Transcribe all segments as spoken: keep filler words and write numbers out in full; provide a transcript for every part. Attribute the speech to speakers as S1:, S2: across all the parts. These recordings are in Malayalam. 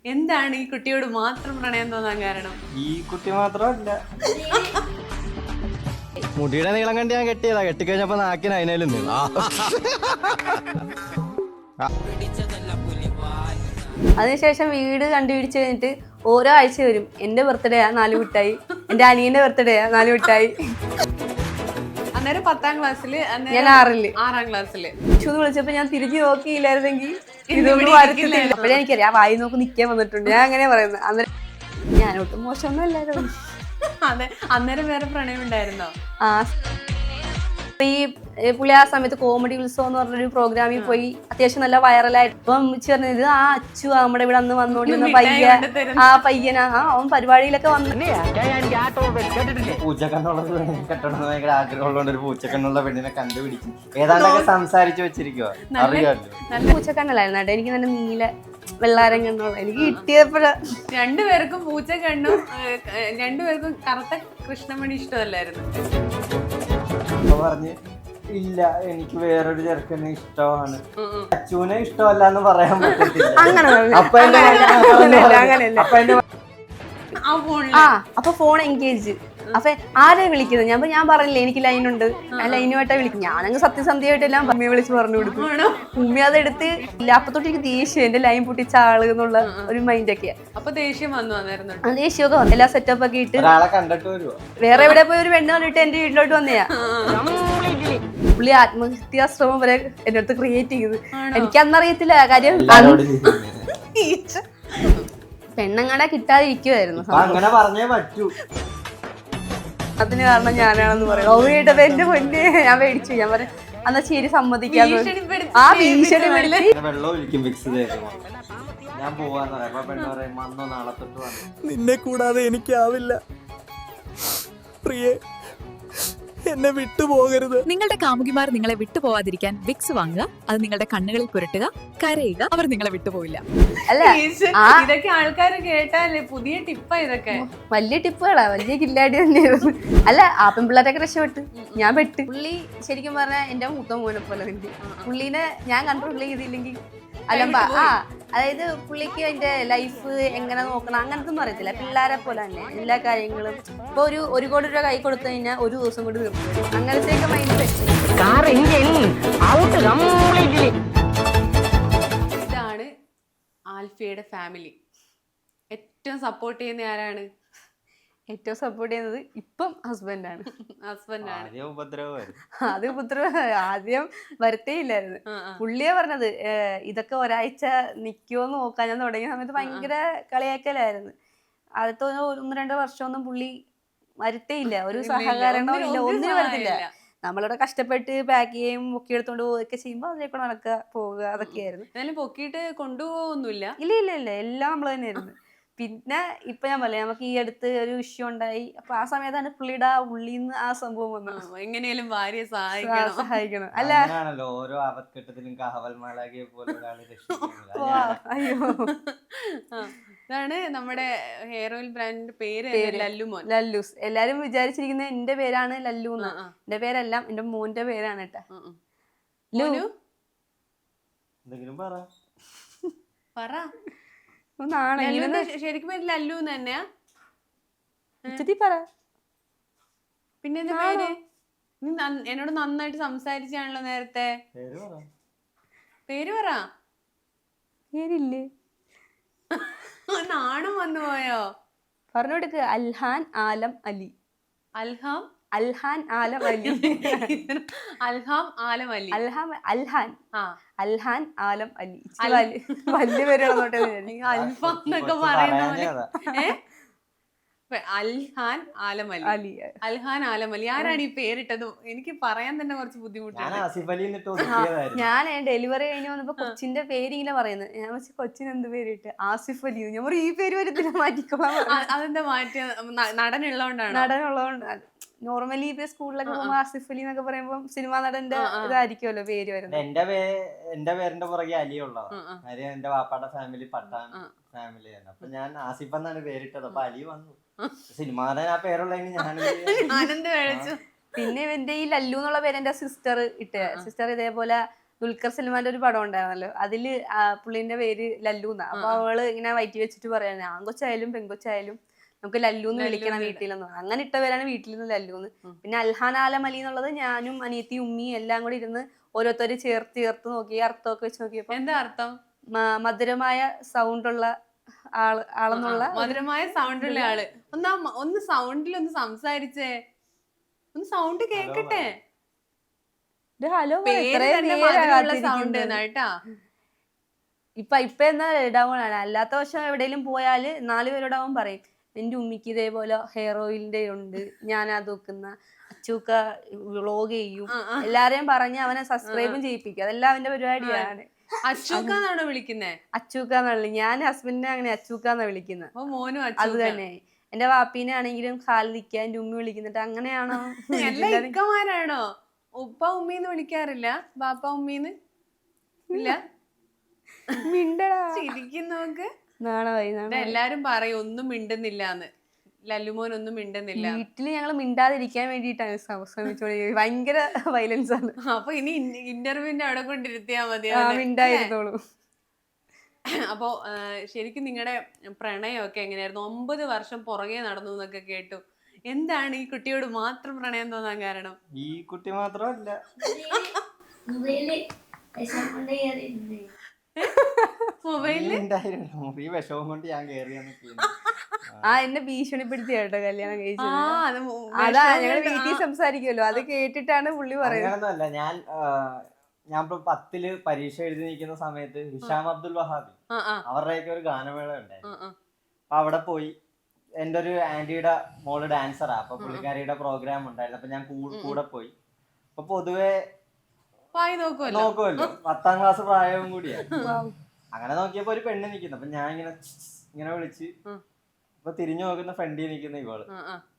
S1: എന്താണ് ഈ കുട്ടിയോട് മാത്രം പ്രണയം തോന്നാൻ കാരണം?
S2: ഈ കുട്ടി മാത്രമല്ല,
S3: മുടിയുടെ നീളം കണ്ട് ഞാൻ കെട്ടിയതാ. കെട്ടിക്കഴിഞ്ഞപ്പോ നാക്കിന് അതിനാലും നീളാ.
S4: അതിനുശേഷം വീട് കണ്ടുപിടിച്ച് കഴിഞ്ഞിട്ട് ഓരോ ആഴ്ച വരും. എന്റെ ബർത്ത്ഡേ ആ നാല് മിഠായി, എന്റെ അനിയന്റെ ബർത്ത്ഡേ ആ നാല് മിഠായി.
S1: അന്നേരം പത്താം ക്ലാസ്സില്,
S4: ഞാൻ ആറില്
S1: ആറാം ക്ലാസ്സില്
S4: ചൂന്ന് വിളിച്ചപ്പോ ഞാൻ തിരിഞ്ഞു നോക്കിയില്ലായിരുന്നെങ്കിൽ ഇതൊന്നും വരത്തില്ല. അപ്പോഴേ എനിക്കറിയാം ആ വായി നോക്ക് നിക്കാൻ വന്നിട്ടുണ്ട്. ഞാൻ അങ്ങനെ പറയുന്നത്. അന്നേരം ഞാനൊട്ടും മോശമൊന്നും അല്ലായിരുന്നു.
S1: അതെ, അന്നേരം വേറെ പ്രണയം ഉണ്ടായിരുന്നോ?
S4: ആ ഈ പുള്ളി ആ സമയത്ത് കോമഡി ഉത്സവം എന്ന് പറഞ്ഞൊരു പ്രോഗ്രാമിൽ പോയി അത്യാവശ്യം നല്ല വൈറലായിട്ട്. അപ്പം പറഞ്ഞത് ആ അച്ചു നമ്മുടെ ഇവിടെ അന്ന് വന്നോണ്ടിരുന്ന പയ്യൻ, ആ പയ്യനാ ആ അവൻ പരിപാടിയിലൊക്കെ വന്നു.
S2: പൂച്ചക്കണ്ണുള്ള പെണ്ണിനെ കെട്ടണം ഭയങ്കര ആഗ്രഹമുള്ളതുകൊണ്ട് ഒരു പൂച്ചക്കണ്ണുള്ള പെണ്ണിനെ കണ്ടുപിടിക്കും. ഏതാണ്ടൊക്കെ സംസാരിച്ചു വെച്ചിരിക്കുവോ അറിയാമല്ലോ.
S4: നല്ല പൂച്ചക്കണ്ണല്ലായിരുന്നു കേട്ടോ. എനിക്ക് നല്ല നീല വെള്ളാരം കണ്ണുള്ള എനിക്ക് കിട്ടിയപ്പോഴ
S1: രണ്ടുപേർക്കും പൂച്ച കണ്ണും രണ്ടുപേർക്കും കറുത്ത കൃഷ്ണമണി ഇഷ്ടമല്ലായിരുന്നു.
S2: അപ്പൊ പറഞ്ഞ് ഇല്ല എനിക്ക് വേറൊരു ചെറുക്കനെ ഇഷ്ടമാണ്, അച്ചുവിനെ ഇഷ്ടമല്ല എന്ന് പറയാൻ പറ്റത്തില്ല. അപ്പൊ എന്റെ അപ്പൊ എന്റെ
S4: ആ അപ്പൊ ഫോൺ എൻഗേജ്. അപ്പൊ ആരെ വിളിക്കുന്നത്? ഞാൻ ഞാൻ പറഞ്ഞില്ലേ എനിക്ക് ലൈനുണ്ട്, ആ ലൈനുമായിട്ടാ വിളിക്കും. ഞാനങ്ങ് സത്യസന്ധ്യയായിട്ടെല്ലാം ഉമ്മയെ വിളിച്ച് പറഞ്ഞു കൊടുക്കും. ഉമ്മ അതെടുത്ത് ഇല്ല. അപ്പൊ തൊട്ട് എനിക്ക് ദേഷ്യം, എന്റെ ലൈൻ പൊട്ടിച്ച ആള് എന്നുള്ള ഒരു മൈൻഡ് ഒക്കെയാ.
S1: അപ്പൊ ദേഷ്യം വന്നു വന്നായിരുന്നു.
S4: ആ ദേഷ്യമൊക്കെ വന്നു. എല്ലാ സെറ്റപ്പ് ഒക്കെ ഇട്ട്
S2: ഒരാളെ കണ്ടിട്ട് വരുവോ?
S4: വേറെ എവിടെ പോയി ഒരു പെണ്ണ് കണ്ടിട്ട് എന്റെ വീട്ടിലോട്ട് വന്നയാ. പുള്ളി ആത്മഹത്യാശ്രമം വരെ എന്റെ അടുത്ത് ക്രിയേറ്റ് ചെയ്ത്. എനിക്കന്നറിയത്തില്ല കാര്യം. പെണ്ണങ്ങടെ കിട്ടാതിരിക്കുവായിരുന്നു.
S2: അങ്ങനെ പറഞ്ഞേ പറ്റൂ.
S4: അതിന് കാരണം ഞാനാണെന്ന് പറയും. ഓ വീട്ടത് എന്റെ പൊന്നെ ഞാൻ മേടിച്ചു. ഞാൻ പറയും എന്നാ ശരി സമ്മതിക്കാന്ന്. ആ ഭീഷണി
S2: വെള്ളം ഒഴിക്കും മിക്സ് ചെയ്ത് ഞാൻ പോവാന്ന് പറയാം. അപ്പൊ പെണ്ണ് പറയും വന്നോ നാളെ തൊട്ട് വന്നു.
S3: നിന്നെ കൂടാതെ എനിക്കാവില്ല പ്രിയേ, എന്നെ വിട്ടുപോകരുത്.
S5: നിങ്ങളുടെ കാമുകിമാർ നിങ്ങളെ വിട്ടുപോവാതിരിക്കാൻ വിക്സ് വാങ്ങുക. അത് നിങ്ങളുടെ കണ്ണുകളിൽ പുരട്ടുക, കരയുക. അവർ നിങ്ങളെ വിട്ടുപോയില്ല.
S4: അല്ല
S1: ഇതൊക്കെ ആൾക്കാര് കേട്ടാലേ പുതിയ ടിപ്പാ ഇതൊക്കെ.
S4: വലിയ ടിപ്പുകളാ, വലിയ കില്ലാടി തന്നെയായിരുന്നു. അല്ല ആ പെൺപിള്ളേരൊക്കെ രക്ഷപ്പെട്ടു, ഞാൻ പെട്ട്. പുള്ളി ശരിക്കും പറഞ്ഞാൽ എന്റെ മൂത്ത മോനെ പോലെ തന്നെ. പുള്ളീനെ ഞാൻ കൺട്രോൾ ചെയ്തില്ലെങ്കിൽ അലമ്പ. ആ അതായത് പുള്ളിക്ക് അതിന്റെ ലൈഫ് എങ്ങനെ നോക്കണം അങ്ങനത്തെ ഒന്നും അറിയത്തില്ല. പിള്ളേരെ പോലെ തന്നെ എല്ലാ കാര്യങ്ങളും. ഇപ്പൊ ഒരു ഒരു കോടി രൂപ കൈ കൊടുത്തു കഴിഞ്ഞാൽ ഒരു ദിവസം കൊണ്ട് തീർന്നു. അങ്ങനത്തെയൊക്കെ മൈൻഡ് സെറ്റ്.
S1: ഇതാണ് ആൽഫിയുടെ ഫാമിലി. ഏറ്റവും സപ്പോർട്ട് ചെയ്യുന്ന ആരാണ്?
S4: ഏറ്റവും സപ്പോർട്ട് ചെയ്യുന്നത് ഇപ്പം ഹസ്ബൻഡാണ്.
S1: ഹസ്ബൻഡാണ്.
S4: അത് ഉപദ്രവം ആദ്യം വരത്തേ ഇല്ലായിരുന്നു. പുള്ളിയെ പറഞ്ഞത് ഇതൊക്കെ ഒരാഴ്ച നിക്കുവോന്ന് നോക്കാൻ ഞാൻ തുടങ്ങിയ സമയത്ത് ഭയങ്കര കളിയാക്കലായിരുന്നു. ആദ്യത്തെ ഒന്ന് രണ്ട് വർഷമൊന്നും പുള്ളി വരത്തേ ഇല്ല. ഒരു സഹകരണവും ഇല്ല, ഒന്നിനും വരത്തില്ല. നമ്മളിവിടെ കഷ്ടപ്പെട്ട് പാക്ക് ചെയ്യും പൊക്കി എടുത്തോണ്ട് പോവുകയൊക്കെ ചെയ്യുമ്പോ അതിലേക്കൂടെ നടക്കുക പോവുക അതൊക്കെയായിരുന്നു.
S1: എന്നാലും പൊക്കിയിട്ട് കൊണ്ടുപോകൊന്നുമില്ല.
S4: ഇല്ല ഇല്ല ഇല്ല എല്ലാം നമ്മൾ തന്നെയായിരുന്നു. പിന്നെ ഇപ്പൊ ഞാൻ പറയാം നമുക്ക് ഈ അടുത്ത് ഒരു ഇഷ്യൂ ഉണ്ടായി. അപ്പൊ ആ സമയത്താണ് പുള്ളിയുടെ ഉള്ളിന്ന് ആ സംഭവം വന്നത്.
S1: എങ്ങനെയാലും ഭാര്യയെ സഹായിക്കണം
S4: സഹായിക്കണം. അല്ല
S2: ഓരോ അവഘട്ടത്തിലും കാവൽമാലാകിയെ പോലെ
S4: അയ്യോ
S1: ഇതാണ് നമ്മുടെ ഹെയർ ഓയിൽ ബ്രാൻഡിന്റെ പേര് ലല്ലുമോൻ.
S4: ലല്ലൂസ്. എല്ലാരും വിചാരിച്ചിരിക്കുന്നത് എന്റെ പേരാണ് ലല്ലു എന്ന്. എന്റെ പേരെല്ലാം എന്റെ മോന്റെ പേരാണ് കേട്ടാ.
S2: എന്തെങ്കിലും പറ
S1: പറ. ശരിക്കും പേര് ലല്ലു തന്നെയാ?
S4: പറ.
S1: പിന്നെ എന്താ പേര്? നീ എന്നോട് നന്നായിട്ട് സംസാരിച്ചാണല്ലോ നേരത്തെ. പേര് പറ.
S4: പേരില്ലേ?
S1: നാണം വന്നു പോയോ?
S4: പറഞ്ഞു കൊടുക്ക്. അൽഹാൻ ആലം അലി.
S1: അൽഹാം
S4: അൽഹാൻ ആലം അലി.
S1: അൽഹാം ആലം അലി.
S4: അൽഹാം അൽഹാൻ അൽഹാൻ ആലം അലി. വലിയ പേരാണോട്ടെ.
S1: അൽഫാം എന്നൊക്കെ പറയുന്ന അൽഹാൻ ആലം അലി. അലി അൽഹാൻ ആലം അലി. ആരാണ് ഈ പേരിട്ടത്? എനിക്ക് പറയാൻ തന്നെ കുറച്ച് ബുദ്ധിമുട്ടാണ്.
S4: ഞാൻ ഡെലിവറി കഴിഞ്ഞ് വന്നപ്പോ കൊച്ചിന്റെ പേര് ഇങ്ങനെ പറയുന്നത്. ഞാൻ വെച്ച് കൊച്ചിന് എന്ത് പേരിട്ട്? ആസിഫ് അലി. ഞാൻ ഈ പേര് വരത്തില്ല, മാറ്റിക്കോളാം.
S1: അതെന്താ മാറ്റിയ? നടനുള്ളതുകൊണ്ടാണ്.
S4: നടനുള്ളതുകൊണ്ട് നോർമലി ഇപ്പൊ സ്കൂളിലൊക്കെ പോകുമ്പോ ആസിഫ് അലി എന്നൊക്കെ പറയുമ്പോ സിനിമാ നടന്റെ ഇതായിരിക്കുമല്ലോ പേര് വരുന്നത്.
S2: എന്റെ എന്റെ പേരിന്റെ പുറകെ അലിയുള്ളതാണ്. കാര്യം എന്റെ വാപ്പാടെ ഫാമിലി പട്ടാൻ ഫാമിലിയാണ്. അപ്പൊ ഞാൻ ആസിഫ് എന്നാണ് പേരിട്ടത്. അപ്പൊ അലി വന്നു. സിനിമാ നടൻ ആ പേരുള്ളതിന് ഞാൻ
S1: ആനന്ദ് കഴിച്ചു.
S4: പിന്നെ എന്റെ ഈ ലല്ലു എന്നുള്ള പേര് എന്റെ സിസ്റ്റർ ഇട്ട. സിസ്റ്റർ ഇതേപോലെ ദുൽഖർ സൽമാന്റെ ഒരു പടം ഉണ്ടായിരുന്നല്ലോ, അതില് പുള്ളിന്റെ പേര് ലല്ലു എന്നാ. അപ്പൊ അവള് ഇങ്ങനെ വയറ്റി വെച്ചിട്ട് പറയാൻ ആൺകൊച്ചായാലും പെൺകൊച്ചായാലും നമുക്ക് ലല്ലു എന്ന് വിളിക്കണം വീട്ടിലെന്ന് പറഞ്ഞു. അങ്ങനെ ഇട്ടവരാണ് വീട്ടിൽ നിന്ന് ലല്ലുന്ന്. പിന്നെ അൽഹാൻ ആലം അലി എന്നുള്ളത് ഞാനും അനിയത്തി ഉമ്മിയും എല്ലാം കൂടി ഇരുന്ന് ഓരോരുത്തര് ചേർത്ത് ചേർത്ത് നോക്കി അർത്ഥമൊക്കെ വെച്ച് നോക്കിയപ്പോ
S1: എന്താ അർത്ഥം?
S4: മധുരമായ സൗണ്ട് ഉള്ള ആള് ആളെന്നുള്ള
S1: മധുരമായ സൗണ്ട് ഉള്ള ആള്. ഒന്ന് ഒന്ന് സൗണ്ടിൽ ഒന്ന് സംസാരിച്ചേ, ഒന്ന് സൗണ്ട് കേക്കട്ടെ.
S4: ഹലോ
S1: സൗണ്ട് കേട്ടാ.
S4: ഇപ്പൊ ഇപ്പൊ എന്നാ ഡൗൺ ആണ്. അല്ലാത്ത വർഷം എവിടെയെങ്കിലും പോയാല് നാല് പേരോടാവും പറയും എന്റെ ഉമ്മിക്ക് ഇതേപോലെ ഹെയർ ഓയിലിന്റെ ഉണ്ട്, ഞാൻ അത് വെക്കുന്ന, അച്ചൂക്ക വ്ളോഗ് ചെയ്യും, എല്ലാരെയും പറഞ്ഞ് അവനെ സബ്സ്ക്രൈബും ചെയ്യിപ്പിക്കും. അതെല്ലാം അവന്റെ പരിപാടിയാണ്.
S1: അച്ചൂക്കാന്നാണോ വിളിക്കുന്നേ?
S4: അച്ചൂക്കാന്നുള്ളത്. ഞാൻ ഹസ്ബൻഡിനെ അങ്ങനെ അച്ചൂക്കാന്നാ വിളിക്കുന്നത്.
S1: മോനും
S4: അത് തന്നെ. എന്റെ വാപ്പീനെ ആണെങ്കിലും ഖാലിദിക്ക, എന്റെ ഉമ്മി വിളിക്കുന്നിട്ട് അങ്ങനെയാണോ?
S1: എല്ലാ ഇക്കമാരാണോ? ഉപ്പ ഉമ്മീന്ന് വിളിക്കാറില്ല? ബാപ്പ ഉമ്മീന്ന് ഇല്ല?
S4: മിണ്ടടാ
S1: ശരിക്കും നോക്ക്.
S4: നാണമായി.
S1: എല്ലാരും പറയും ഒന്നും മിണ്ടുന്നില്ലാന്ന്, ലല്ലുമോൻ ഒന്നും മിണ്ടുന്നില്ല.
S4: വീട്ടില് ഞങ്ങള് മിണ്ടാതിരിക്കാൻ വേണ്ടിട്ടാണ് ശ്രമിച്ചോളി. ഭയങ്കര വയലൻസ് ആണ്.
S1: അപ്പൊ ഇനി ഇന്റർവ്യൂവിന്റെ അവിടെ കൊണ്ടിരുത്തിയാ മതി,
S4: മിണ്ടായിരുന്നോളൂ.
S1: അപ്പൊ ശരിക്കും നിങ്ങളുടെ പ്രണയമൊക്കെ എങ്ങനെയായിരുന്നു? ഒമ്പത് വർഷം പുറകെ നടന്നു എന്നൊക്കെ കേട്ടു. എന്താണ് ഈ കുട്ടിയോട് മാത്രം പ്രണയം തോന്നാൻ കാരണം?
S2: ഈ കുട്ടി മാത്രമല്ല,
S1: മൊബൈലില്
S2: ഈ വിഷമം കൊണ്ട് ഞാൻ കേറിയാണ്.
S4: ആ എന്നെ ഭീഷണിപ്പെടുത്തി കേട്ടോ കല്യാണം കഴിച്ചത്. അതാ ഞങ്ങള് വീട്ടിൽ സംസാരിക്കുമല്ലോ, അത് കേട്ടിട്ടാണ് പുള്ളി പറയുന്നത്.
S2: അങ്ങനൊന്നുമല്ല. ഞാൻ ഞാൻ ഇപ്പൊ പത്തില് പരീക്ഷ എഴുതി നിൽക്കുന്ന സമയത്ത് ഹിഷാം അബ്ദുൽ വഹാബി അവരുടെയൊക്കെ ഒരു ഗാനമേള ഉണ്ടായിരുന്നു. അപ്പൊ അവിടെ പോയി എന്റെ ഒരു ആന്റിയുടെ മോള് ഡാൻസറാ. അപ്പൊ പുള്ളിക്കാരിയുടെ പ്രോഗ്രാം ഉണ്ടായിരുന്നു. അപ്പൊ ഞാൻ കൂടെ പോയി. അപ്പൊ പൊതുവെ നോക്കുമല്ലോ, പത്താം ക്ലാസ് പ്രായവും കൂടിയാണ്. അങ്ങനെ നോക്കിയപ്പോ ഒരു പെണ്ണ് നിക്കുന്നു. അപ്പൊ ഞാൻ ഇങ്ങനെ ഇങ്ങനെ വിളിച്ച് അപ്പൊ തിരിഞ്ഞു നോക്കുന്ന ഫ്രണ്ടിൽ നിൽക്കുന്ന ഇവള്.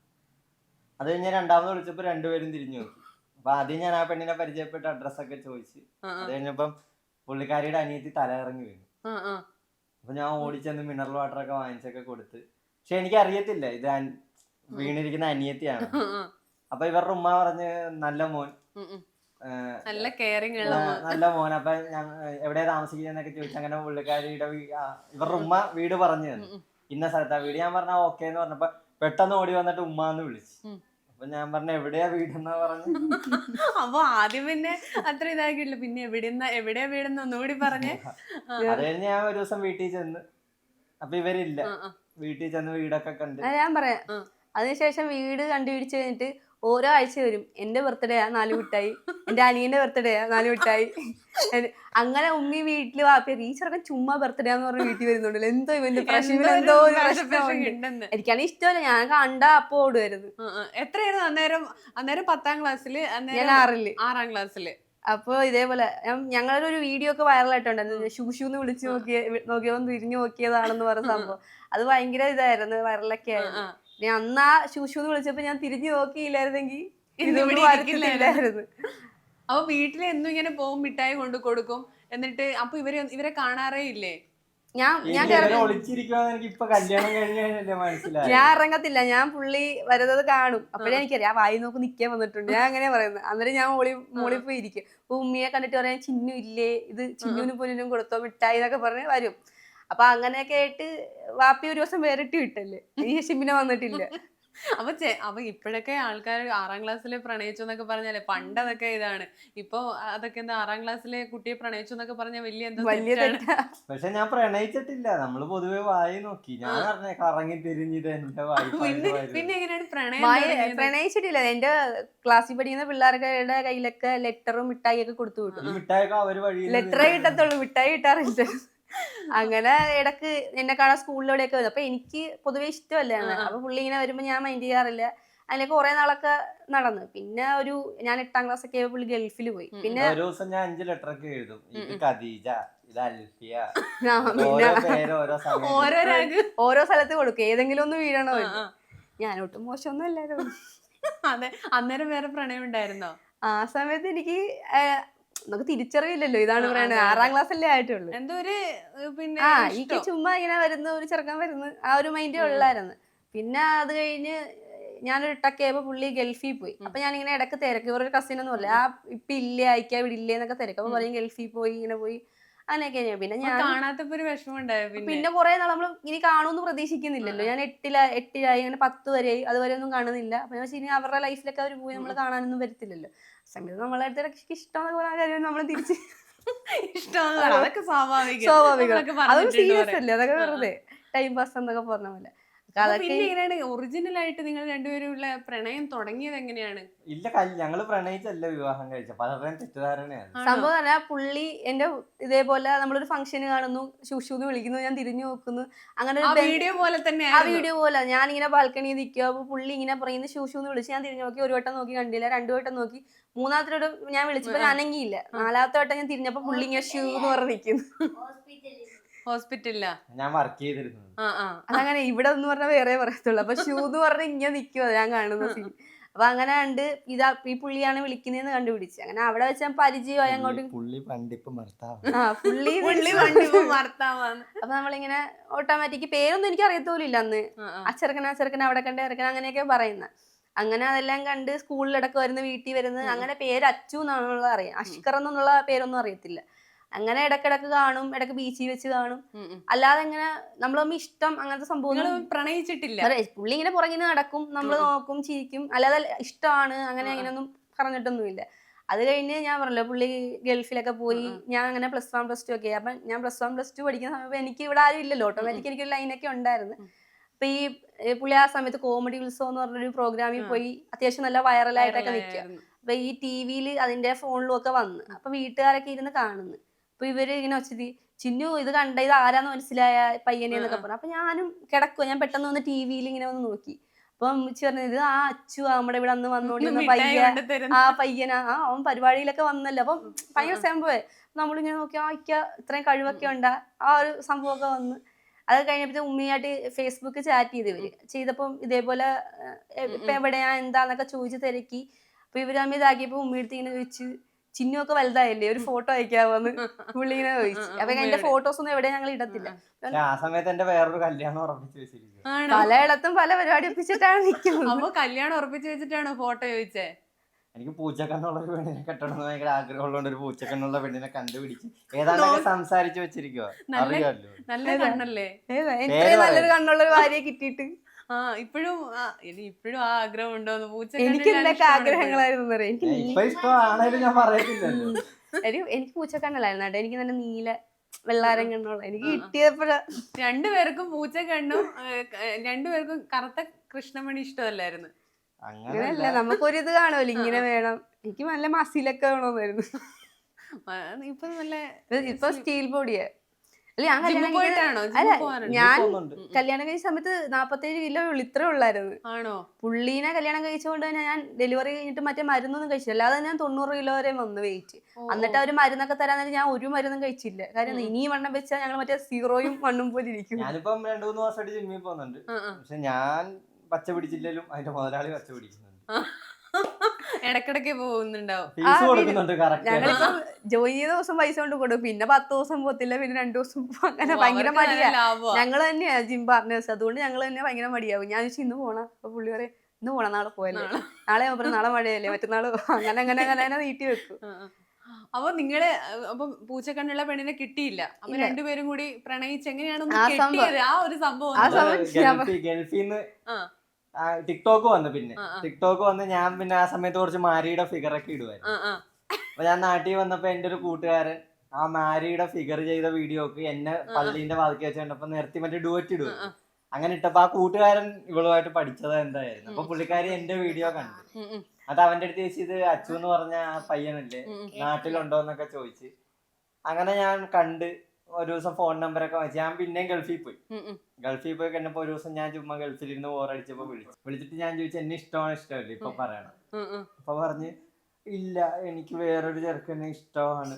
S2: അത് കഴിഞ്ഞ് രണ്ടാമത് വിളിച്ചപ്പോ രണ്ടുപേരും തിരിഞ്ഞു നോക്കി. അപ്പൊ ആദ്യം ഞാൻ ആ പെണ്ണിനെ പരിചയപ്പെട്ട് അഡ്രസ്സൊക്കെ ചോദിച്ച്, അത് കഴിഞ്ഞപ്പം പുള്ളിക്കാരിയുടെ അനിയത്തി തലയിറങ്ങി വീണു. അപ്പൊ ഞാൻ ഓടിച്ചെന്ന് മിനറൽ വാട്ടർ ഒക്കെ വാങ്ങിച്ചൊക്കെ കൊടുത്ത്. പക്ഷെ എനിക്ക് അറിയത്തില്ല ഇത് വീണിരിക്കുന്ന അനിയത്തിയാണ്. അപ്പൊ ഇവരുടെ ഉമ്മ പറഞ്ഞ് നല്ല മോൻ,
S1: നല്ല കെയറിങ്
S2: നല്ല മോൻ. അപ്പൊ ഞാൻ എവിടെയാ താമസിക്കുന്നൊക്കെ ചോദിച്ചു. അങ്ങനെ പുള്ളിക്കാരിയുടെ ഇവരുടെ ഉമ്മ വീട് പറഞ്ഞു തന്നു, ഇന്ന സ്ഥലത്താ വീട്. ഞാൻ പറഞ്ഞ ഓക്കെ എന്ന് പറഞ്ഞപ്പോ പെട്ടെന്ന് ഓടി വന്നിട്ട് ഉമ്മാന്ന് വിളിച്ചു. അപ്പൊ ഞാൻ പറഞ്ഞ എവിടെയാ വീടെന്നാ പറഞ്ഞു.
S1: അപ്പൊ ആദ്യം പിന്നെ അത്ര ഇതാക്കിയില്ല, പിന്നെ എവിടെന്നാ എവിടെയാ വീടെന്ന് ഒന്നുകൂടി പറഞ്ഞേ.
S2: അത് കഴിഞ്ഞ് ഞാൻ ഒരു ദിവസം വീട്ടിൽ ചെന്ന്, അപ്പൊ ഇവരില്ല. വീട്ടിൽ ചെന്ന് വീടൊക്കെ കണ്ട്
S4: ഞാൻ പറയാം. അതിനുശേഷം വീട് കണ്ടുപിടിച്ച് കഴിഞ്ഞിട്ട് ഓരോ ആഴ്ച വരും. എന്റെ ബർത്ത്ഡേ ആ നാല് മിഠായി, എന്റെ അനിയന്റെ ബർത്ത്ഡേ ആ നാല് മിഠായി. അങ്ങനെ ഉമ്മി വീട്ടില് വാപ്പി ഈ ചെറുക്കൻ ചുമ്മാ ബർത്ത്ഡേ എന്ന് പറഞ്ഞ വീട്ടിൽ വരുന്നുണ്ടല്ലോ, എന്തോ ഇവന്റെ പ്രശ്നം, എന്തോ എനിക്കാണെങ്കിൽ ഇഷ്ടമല്ല. ഞാൻ കണ്ടാ അപ്പൊ ഓടുവരുത്.
S1: എത്രയായിരുന്നു അന്നേരം? അന്നേരം പത്താം ക്ലാസ്സില്,
S4: ഞാൻ ആറില്
S1: ആറാം ക്ലാസ്സില്.
S4: അപ്പൊ ഇതേപോലെ ഞങ്ങളുടെ ഒരു വീഡിയോ ഒക്കെ വൈറലായിട്ടുണ്ടായിരുന്നു. ഷൂഷൂന്ന് വിളിച്ചു നോക്കിയ നോക്കിയവൻ തിരിഞ്ഞു നോക്കിയതാണെന്ന് പറഞ്ഞ സംഭവം. അത് ഭയങ്കര ഇതായിരുന്നു, വൈറലൊക്കെ ആയിരുന്നു. പിന്നെ അന്ന് ആ ശൂശൂന്ന് വിളിച്ചപ്പോ ഞാൻ തിരിഞ്ഞു നോക്കിയില്ലായിരുന്നെങ്കിൽ ഇല്ലായിരുന്നു.
S1: അപ്പൊ വീട്ടില് എന്നും ഇങ്ങനെ പോകും, മിഠായി കൊണ്ട് കൊടുക്കും. എന്നിട്ട് അപ്പൊ ഇവരെ ഇവരെ കാണാറേ ഇല്ലേ?
S4: ഞാൻ ഞാൻ ഞാൻ ഇറങ്ങത്തില്ല. ഞാൻ പുള്ളി വരുന്നത് കാണും. അപ്പഴേ എനിക്കറിയാം ആ വായി നോക്ക് നിക്കാൻ വന്നിട്ടുണ്ട്. ഞാൻ അങ്ങനെ പറയുന്നത്. അന്നേരം ഞാൻ മോളി മോളിൽ പോയി ഇരിക്കും. അപ്പൊ ഉമ്മിയെ കണ്ടിട്ട് പറയാൻ ചിന്നു ഇല്ലേ, ഇത് ചിന്നുവിനും പൊന്നിനും കൊടുത്തോ മിഠായി എന്നൊക്കെ പറഞ്ഞ് വരും. അപ്പൊ അങ്ങനെയൊക്കെ ആയിട്ട് വാപ്പി ഒരു ദിവസം വേറിട്ട് വിട്ടല്ലേ, ഈ ഷിമിനെ വന്നിട്ടില്ല.
S1: അപ്പൊ അപ്പൊ ഇപ്പോഴൊക്കെ ആൾക്കാർ ആറാം ക്ലാസ്സിലെ പ്രണയിച്ചു എന്നൊക്കെ പറഞ്ഞാലേ പണ്ട് അതൊക്കെ ഇതാണ്. ഇപ്പൊ അതൊക്കെ എന്താ ആറാം ക്ലാസ്സിലെ കുട്ടിയെ പ്രണയിച്ചു എന്നൊക്കെ പറഞ്ഞാൽ വലിയ എന്താ
S4: വലിയ തെറ്റാ.
S2: പക്ഷെ ഞാൻ പ്രണയിച്ചിട്ടില്ല. നമ്മള് പൊതുവെ വായി നോക്കി. ഞാൻ പറഞ്ഞ കറങ്ങി തിരിഞ്ഞത് എന്റെ വായി.
S1: പിന്നെ എങ്ങനെയാണ് പ്രണയം?
S4: പ്രണയിച്ചിട്ടില്ല. എന്റെ ക്ലാസ്സിൽ പഠിക്കുന്ന പിള്ളേരുടെ കയ്യിലൊക്കെ ലെറ്ററും മിഠായി ഒക്കെ കൊടുത്തു വിട്ടു.
S2: മിഠായിയൊക്കെ അവര് വഴി
S4: ലെറ്ററേ കിട്ടത്തുള്ളൂ, മിഠായി കിട്ടാറില്ല. അങ്ങനെ ഇടക്ക് എന്നെ കാണാൻ സ്കൂളിലൂടെയൊക്കെ വരും. അപ്പൊ എനിക്ക് പൊതുവെ ഇഷ്ടമല്ലാണ്. അപ്പൊ പുള്ളി ഇങ്ങനെ വരുമ്പോ ഞാൻ മൈൻഡ് ചെയ്യാറില്ല. അതിലേക്ക് കുറെ നാളൊക്കെ നടന്നു. പിന്നെ ഒരു ഞാൻ എട്ടാം ക്ലാസ് ഒക്കെ പുള്ളി ഗൾഫിൽ പോയി. പിന്നെ
S2: ഒരു ദിവസം ഞാൻ അഞ്ച് ലെറ്റർ ഒക്കെ എഴുതും. ഇത് ഖദീജ, ഇത് അൽഫിയ,
S4: ഓരോ സ്ഥലത്ത് കൊടുക്കും. ഏതെങ്കിലും ഒന്ന് വീഴണോ. ഞാനൊട്ടും മോശമൊന്നും അല്ലായിരുന്നു.
S1: അതെ. അന്നേരം വേറെ പ്രണയം ഉണ്ടായിരുന്നോ?
S4: ആ സമയത്ത് എനിക്ക് നമുക്ക് തിരിച്ചറിയില്ലല്ലോ ഇതാണ് പ്രണയം. ആറാം ക്ലാസ് അല്ലേ ആയിട്ടുള്ളൂ.
S1: എന്തോ ഒരു പിന്നെ
S4: ആ എനിക്ക് ചുമ്മാ ഇങ്ങനെ വരുന്ന ഒരു ചെറുക്കൻ വരുന്നു, ആ ഒരു മൈൻഡേ ഉള്ളായിരുന്നു. പിന്നെ അത് കഴിഞ്ഞ് ഞാനൊരു ഇട്ടൊക്കെ ആയപ്പോ പുള്ളി ഗൾഫിൽ പോയി. അപ്പൊ ഞാനിങ്ങനെ ഇടക്ക് തിരക്ക്, ഇവരൊരു കസിൻ ഒന്നും അല്ല, ആ ഇപ്പൊ ഇല്ലേ അയക്കാ ഇവിടെ ഇല്ലേ എന്നൊക്കെ തിരക്ക്. അപ്പൊ പറയും ഗൾഫിൽ പോയി ഇങ്ങനെ പോയി അങ്ങനെയൊക്കെ ഞാൻ. പിന്നെ ഞാൻ
S1: കാണാത്തപ്പോ ഒരു വിഷമം ഉണ്ടായോ? പിന്നെ
S4: പിന്നെ കുറെ നാൾ നമ്മൾ ഇനി കാണുമെന്ന് പ്രതീക്ഷിക്കുന്നില്ലല്ലോ. ഞാൻ എട്ടില എട്ടിലായി അങ്ങനെ പത്ത് വരെയായി, അതുവരെ ഒന്നും കാണുന്നില്ല. അപ്പൊ ഞാൻ ഇനി അവരുടെ ലൈഫിലൊക്കെ അവർ പോയി നമ്മൾ കാണാനൊന്നും വരത്തില്ലല്ലോ. സമയത്ത് നമ്മളെ അടുത്ത് ഇഷ്ടമെന്ന് പറയുന്ന കാര്യം നമ്മൾ തിരിച്ച്
S1: ഇഷ്ടമാണ്, അതൊക്കെ സ്വാഭാവികം.
S4: സ്വാഭാവികം.
S1: നമ്മളൊക്കെ
S4: അതൊന്നും
S1: പറഞ്ഞിട്ടുണ്ട്
S4: സീരിയസ്
S1: കുറെ.
S4: അല്ലേ, അതൊക്കെ വെറുതെ ടൈം പാസ് എന്നൊക്കെ പറഞ്ഞ പോലെ.
S1: അപ്പൊ പിന്നെ എങ്ങനെയാണ് ഒറിജിനൽ ആയിട്ട് നിങ്ങൾ രണ്ടുപേരും ഉള്ള പ്രണയം തുടങ്ങിയത് എങ്ങനെയാണ്?
S2: ഇല്ല, കല്യ- ഞങ്ങള് പ്രണയിച്ചല്ല വിവാഹം കഴിച്ച, പലരുടെയും തെറ്റിദ്ധാരണയാണ്.
S4: സംഭവം പറഞ്ഞാൽ പുള്ളി എന്റെ ഇതേപോലെ നമ്മളൊരു ഫംഗ്ഷന് കാണുന്നു, ശുശൂന്ന് വിളിക്കുന്നു, ഞാൻ തിരിഞ്ഞു നോക്കുന്നു, അങ്ങനെ
S1: ആ
S4: ഒരു ബെ-
S1: വീഡിയോ പോലെ തന്നെ
S4: ആ വീഡിയോ പോലെ ഞാൻ ഇങ്ങനെ ബാൽക്കണിയിൽ നിൽക്കുക. അപ്പൊ പുള്ളി ഇങ്ങനെ പറയുന്നത് ശൂശൂന്ന് വിളിച്ച് ഞാൻ തിരിഞ്ഞു നോക്കി. ഒരു വട്ടം നോക്കി കണ്ടില്ല, രണ്ടു വട്ടം നോക്കി, മൂന്നാമത്തെ വട്ടം ഞാൻ വിളിച്ചപ്പോ ഞാൻ അനങ്ങിയില്ല. നാലാമത്തെ വട്ടം ഞാൻ തിരിഞ്ഞപ്പോ പുള്ളി ഇങ്ങനെ ഷൂ എന്ന് പറഞ്ഞ് നിൽക്കുന്നു.
S1: ഹോസ്പിറ്റലിലാ
S2: ഞാൻ വർക്ക് ചെയ്തിരുന്നത്.
S1: ആ ആ
S4: അതങ്ങനെ ഇവിടെ എന്ന് പറഞ്ഞാൽ വേറെ പറയത്തുള്ളൂ. അപ്പൊ ഷൂ എന്ന് പറഞ്ഞ് ഇങ്ങനെ നിൽക്കുക ഞാൻ കാണുന്ന സീൻ. അപ്പൊ അങ്ങനെ കണ്ട് ഇതാ ഈ പുള്ളിയാണ് വിളിക്കുന്നതെന്ന് കണ്ടുപിടിച്ച്. അങ്ങനെ അവിടെ വെച്ച് ഞാൻ പരിചയമായി അങ്ങോട്ടും.
S3: പുള്ളി പണ്ടിപ്പം ഭർത്താവ്.
S4: ആ പുള്ളി
S1: പുള്ളി വണ്ടിപ്പോ ഭർത്താവാണ്.
S4: അപ്പൊ നമ്മളിങ്ങനെ ഓട്ടോമാറ്റിക് പേരൊന്നും എനിക്ക് അറിയത്തോലില്ല അന്ന്. അച്ചെറുക്കന അച്ചെറുക്കന അവിടെ കണ്ട് ഇറക്കണ അങ്ങനെയൊക്കെ പറയുന്ന. അങ്ങനെ അതെല്ലാം കണ്ട് സ്കൂളിലടക്കം വരുന്ന, വീട്ടിൽ വരുന്നത്, അങ്ങനെ പേര് അച്ചു എന്നാണുള്ളത് അറിയാം. അഷ്കർ എന്നുള്ള പേരൊന്നും അറിയത്തില്ല. അങ്ങനെ ഇടക്കിടക്ക് കാണും, ഇടക്ക് ബീച്ചിൽ വെച്ച് കാണും. അല്ലാതെ ഇങ്ങനെ നമ്മൾ തമ്മിൽ ഇഷ്ടം അങ്ങനത്തെ സംഭവം
S1: പ്രണയിച്ചിട്ടില്ല.
S4: പുള്ളി ഇങ്ങനെ പുറകിന് നടക്കും, നമ്മൾ നോക്കും, ചിരിക്കും, അല്ലാതെ ഇഷ്ടമാണ് അങ്ങനെ അങ്ങനെയൊന്നും പറഞ്ഞിട്ടൊന്നുമില്ല. അത് കഴിഞ്ഞ് ഞാൻ പറഞ്ഞല്ലോ പുള്ളി ഗൾഫിലൊക്കെ പോയി. ഞാൻ അങ്ങനെ പ്ലസ് വൺ പ്ലസ് ടു ഒക്കെ. അപ്പൊ ഞാൻ പ്ലസ് വൺ പ്ലസ് ടു പഠിക്കുന്ന സമയത്ത് എനിക്ക് ഇവിടെ ആരും ഇല്ലല്ലോ, ഓട്ടോമാറ്റിക് എനിക്കൊരു ലൈനൊക്കെ ഉണ്ടായിരുന്നു. അപ്പൊ ഈ പുള്ളി ആ സമയത്ത് കോമഡി ഉത്സവം എന്ന് പറഞ്ഞൊരു പ്രോഗ്രാമിൽ പോയി അത്യാവശ്യം നല്ല വൈറലായിട്ടൊക്കെ നിൽക്കുക. അപ്പൊ ഈ ടി വിയിൽ അതിന്റെ ഫോണിലും ഒക്കെ വന്ന്. അപ്പൊ വീട്ടുകാരൊക്കെ ഇരുന്ന് കാണുന്നു. അപ്പൊ ഇവര് ഇങ്ങനെ വെച്ചത് ചിന്നു ഇത് കണ്ട, ഇത് ആരാന്ന് മനസ്സിലായ പയ്യനെ എന്നൊക്കെ പറഞ്ഞു. അപ്പൊ ഞാനും കിടക്കുക, ഞാൻ പെട്ടെന്ന് വന്ന് ടി വിയിൽ ഇങ്ങനെ വന്ന് നോക്കി. അപ്പം അമ്മച്ചി പറഞ്ഞത് ഇത് ആ അച്ചു നമ്മുടെ ഇവിടെ അന്ന് വന്നോണ്ടിരുന്ന പയ്യൻ, ആ പയ്യനാ, ആ അവൻ പരിപാടിയിലൊക്കെ വന്നല്ലോ. അപ്പം ഭയങ്കര സംഭവേ. നമ്മളിങ്ങനെ നോക്കി ആ ഇക്ക ഇത്രയും കഴിവൊക്കെ ഉണ്ടാ, ആ ഒരു സംഭവമൊക്കെ വന്ന്. അത് കഴിഞ്ഞപ്പോ ഉമ്മയായിട്ട് ഫേസ്ബുക്ക് ചാറ്റ് ചെയ്ത് ഇവര് ചെയ്തപ്പം ഇതേപോലെ ഇപ്പൊ എവിടെയാ എന്താന്നൊക്കെ ചോദിച്ച് തിരക്കി. അപ്പൊ ഇവര് തമ്മിൽ ഇതാക്കിയപ്പോ ഉമ്മയെടുത്ത് ഇങ്ങനെ ചോദിച്ചു ചിന്നു ഒക്കെ വലുതായില്ലേ, ഒരു ഫോട്ടോ അയക്കാവോന്ന് പുള്ളി ഇങ്ങനെ ചോദിച്ചു. അപ്പൊ എന്റെ ഫോട്ടോസ് ഒന്നും എവിടെ ഞങ്ങൾ ഇടത്തില്ല.
S2: ആ സമയത്ത് എന്റെ വേറൊരു കല്യാണം ഉറപ്പിച്ചു വെച്ചിരിക്കും.
S4: പലയിടത്തും പല പരിപാടി ഒപ്പിച്ചിട്ടാണ് നിൽക്കുന്നത്.
S1: അപ്പൊ കല്യാണം ഉറപ്പിച്ചു വെച്ചിട്ടാണോ ഫോട്ടോ ചോദിച്ചേ?
S2: എനിക്ക് പൂച്ചക്കണ്ണുള്ള ഒരു പെണ്ണിനെ കെട്ടണമെന്ന് ഭയങ്കര ആഗ്രഹമുള്ളതുകൊണ്ട് ഒരു പൂച്ചക്കണ്ണുള്ള പെണ്ണിനെ കണ്ടുപിടിച്ച് ഏതാണ്ടൊക്കെ സംസാരിച്ചു വെച്ചിരിക്കുവോ, അറിയാമല്ലോ.
S1: നല്ല കണ്ണല്ലേ?
S4: എനിക്ക് നല്ലൊരു കണ്ണുള്ള ഒരു ഭാര്യയെ കിട്ടിയിട്ട്
S1: ആ ഇപ്പോഴും ഇനി ഇപ്പോഴും ആ ആഗ്രഹം ഉണ്ടോന്ന്? പൂച്ച
S4: എനിക്ക് എന്തൊക്കെ ആഗ്രഹങ്ങളായിരുന്നു അറിയാം. എനിക്ക്
S2: ഇപ്പൊ ഇഷ്ടമാണേലും ഞാൻ പറയത്തില്ലല്ലോ.
S4: എനിക്ക് പൂച്ചക്കണ്ണല്ലായിരുന്നു കേട്ടോ, എനിക്ക് നല്ല നീല വെള്ളാരം കണ്ണുള്ള എനിക്ക് കിട്ടിയപ്പോഴാ.
S1: രണ്ടുപേർക്കും പൂച്ച കണ്ണും രണ്ടുപേർക്കും കറുത്ത കൃഷ്ണമണി ഇഷ്ടമല്ലായിരുന്നു.
S4: അങ്ങനെയല്ല, നമുക്കൊരിത് കാണുമല്ലോ ഇങ്ങനെ വേണം. എനിക്ക് നല്ല മസിലൊക്കെ വേണമെന്നായിരുന്നു.
S1: ഇപ്പൊ നല്ല
S4: ഇപ്പൊ സ്റ്റീൽ ബോഡിയാ. അല്ല ഞാൻ കല്യാണം
S1: പോയിട്ടാണോ?
S4: അല്ല ഞാൻ കല്യാണം കഴിച്ച സമയത്ത് നാപ്പത്തേഴ് കിലോ ഉള്ളു, ഇത്രേ ഉള്ളായിരുന്നു.
S1: ആണോ?
S4: പുള്ളീനെ കല്യാണം കഴിച്ചുകൊണ്ട് തന്നെ ഞാൻ ഡെലിവറി കഴിഞ്ഞിട്ട് മറ്റേ മരുന്നൊന്നും കഴിച്ചില്ല. അല്ലാതെ ഞാൻ തൊണ്ണൂറ് കിലോ വരെ വന്നു വെയിറ്റ്. എന്നിട്ട് അവര് മരുന്നൊക്കെ തരാൻ നേരം ഞാൻ ഒരു മരുന്നും കഴിച്ചില്ല. കാര്യം ഇനിയും വണ്ണം വെച്ചാൽ ഞങ്ങൾ മറ്റേ സീറോയും മണ്ണും പോലെ ഇരിക്കും.
S2: ഞാനിപ്പം രണ്ടു മൂന്ന് മാസമായിട്ട് ജിമ്മിൽ പോകുന്നുണ്ട്. പക്ഷെ ഞാൻ പച്ച പിടിച്ചില്ലേലും അതിന്റെ മുതലാളി പച്ച പിടിക്കുന്നുണ്ട്.
S1: ഇടക്കിടക്ക് പോകുന്നുണ്ടാവും.
S4: ഞങ്ങളിപ്പം ജോയിൻ ചെയ്ത ദിവസം പൈസ കൊണ്ട് കൊടുക്കും, പിന്നെ പത്ത് ദിവസം പോകത്തില്ല, പിന്നെ രണ്ടു ദിവസം അങ്ങനെ ഭയങ്കര മടിയാ. ഞങ്ങൾ തന്നെയാ ജിം പാർട്ട്നേഴ്സ്, അതുകൊണ്ട് ഞങ്ങൾ തന്നെ ഭയങ്കര മടിയാവും. ഞാൻ ചോദിച്ചു ഇന്ന് പോണ, അപ്പൊ പുള്ളി പറയും ഇന്ന് പോണം, നാളെ പോയല്ലേ, നാളെ പറയും നാളെ മഴയല്ലേ, മറ്റന്നാള് അങ്ങനെ അങ്ങനെ അങ്ങനെ അങ്ങനെ നീട്ടി വെക്കും.
S1: അപ്പൊ നിങ്ങള് അപ്പൊ പൂച്ചക്കണ്ണുള്ള പെണ്ണിനെ കിട്ടിയില്ല. അപ്പൊ രണ്ടുപേരും കൂടി പ്രണയിച്ച് എങ്ങനെയാണ് ആ ഒരു സംഭവം?
S2: ഗൾഫിന്ന് ടിക്ടോക്ക് വന്നു. പിന്നെ ടിക്ടോക്ക് വന്ന് ഞാൻ പിന്നെ ആ സമയത്ത് കുറച്ച് മാരിയുടെ ഫിഗർ ഒക്കെ ഇടുവായിരുന്നു. അപ്പൊ ഞാൻ നാട്ടിൽ വന്നപ്പോ എന്റെ ഒരു കൂട്ടുകാരൻ ആ മാരിയുടെ ഫിഗർ ചെയ്ത വീഡിയോക്ക് എന്നെ പള്ളീന്റെ വാതിക്കി വെച്ച് കണ്ടപ്പോ നിർത്തി മറ്റേ ഡുവറ്റ് ഇടുവായിരുന്നു. അങ്ങനെ ഇട്ടപ്പോ ആ കൂട്ടുകാരൻ ഇവളുമായിട്ട് പഠിച്ചത് എന്തായിരുന്നു. അപ്പൊ പുള്ളിക്കാരി എന്റെ വീഡിയോ കണ്ടു. അത് അവന്റെ അടുത്ത് ചോദിച്ചു ഇത് അച്ചു എന്ന് പറഞ്ഞ ആ പയ്യനല്ലേ, നാട്ടിലുണ്ടോ എന്നൊക്കെ ചോദിച്ച്. അങ്ങനെ ഞാൻ കണ്ട് ഒരു ദിവസം ഫോൺ നമ്പറൊക്കെ വെച്ച് ഞാൻ പിന്നെയും ഗൾഫിൽ പോയി. ഗൾഫിൽ പോയി കഴിഞ്ഞപ്പോ ഒരു ദിവസം ഞാൻ ചുമ്മാ ഗൾഫിലിരുന്ന് ബോറടിച്ചപ്പോ വിളിച്ചു. വിളിച്ചിട്ട് ഞാൻ ചോദിച്ചു എന്നെ ഇഷ്ടമാണ് ഇഷ്ടമല്ലേ ഇപ്പൊ പറയണം. അപ്പൊ പറഞ്ഞ് ഇല്ല എനിക്ക് വേറൊരു ചെറുക്കനെ ഇഷ്ടമാണ്.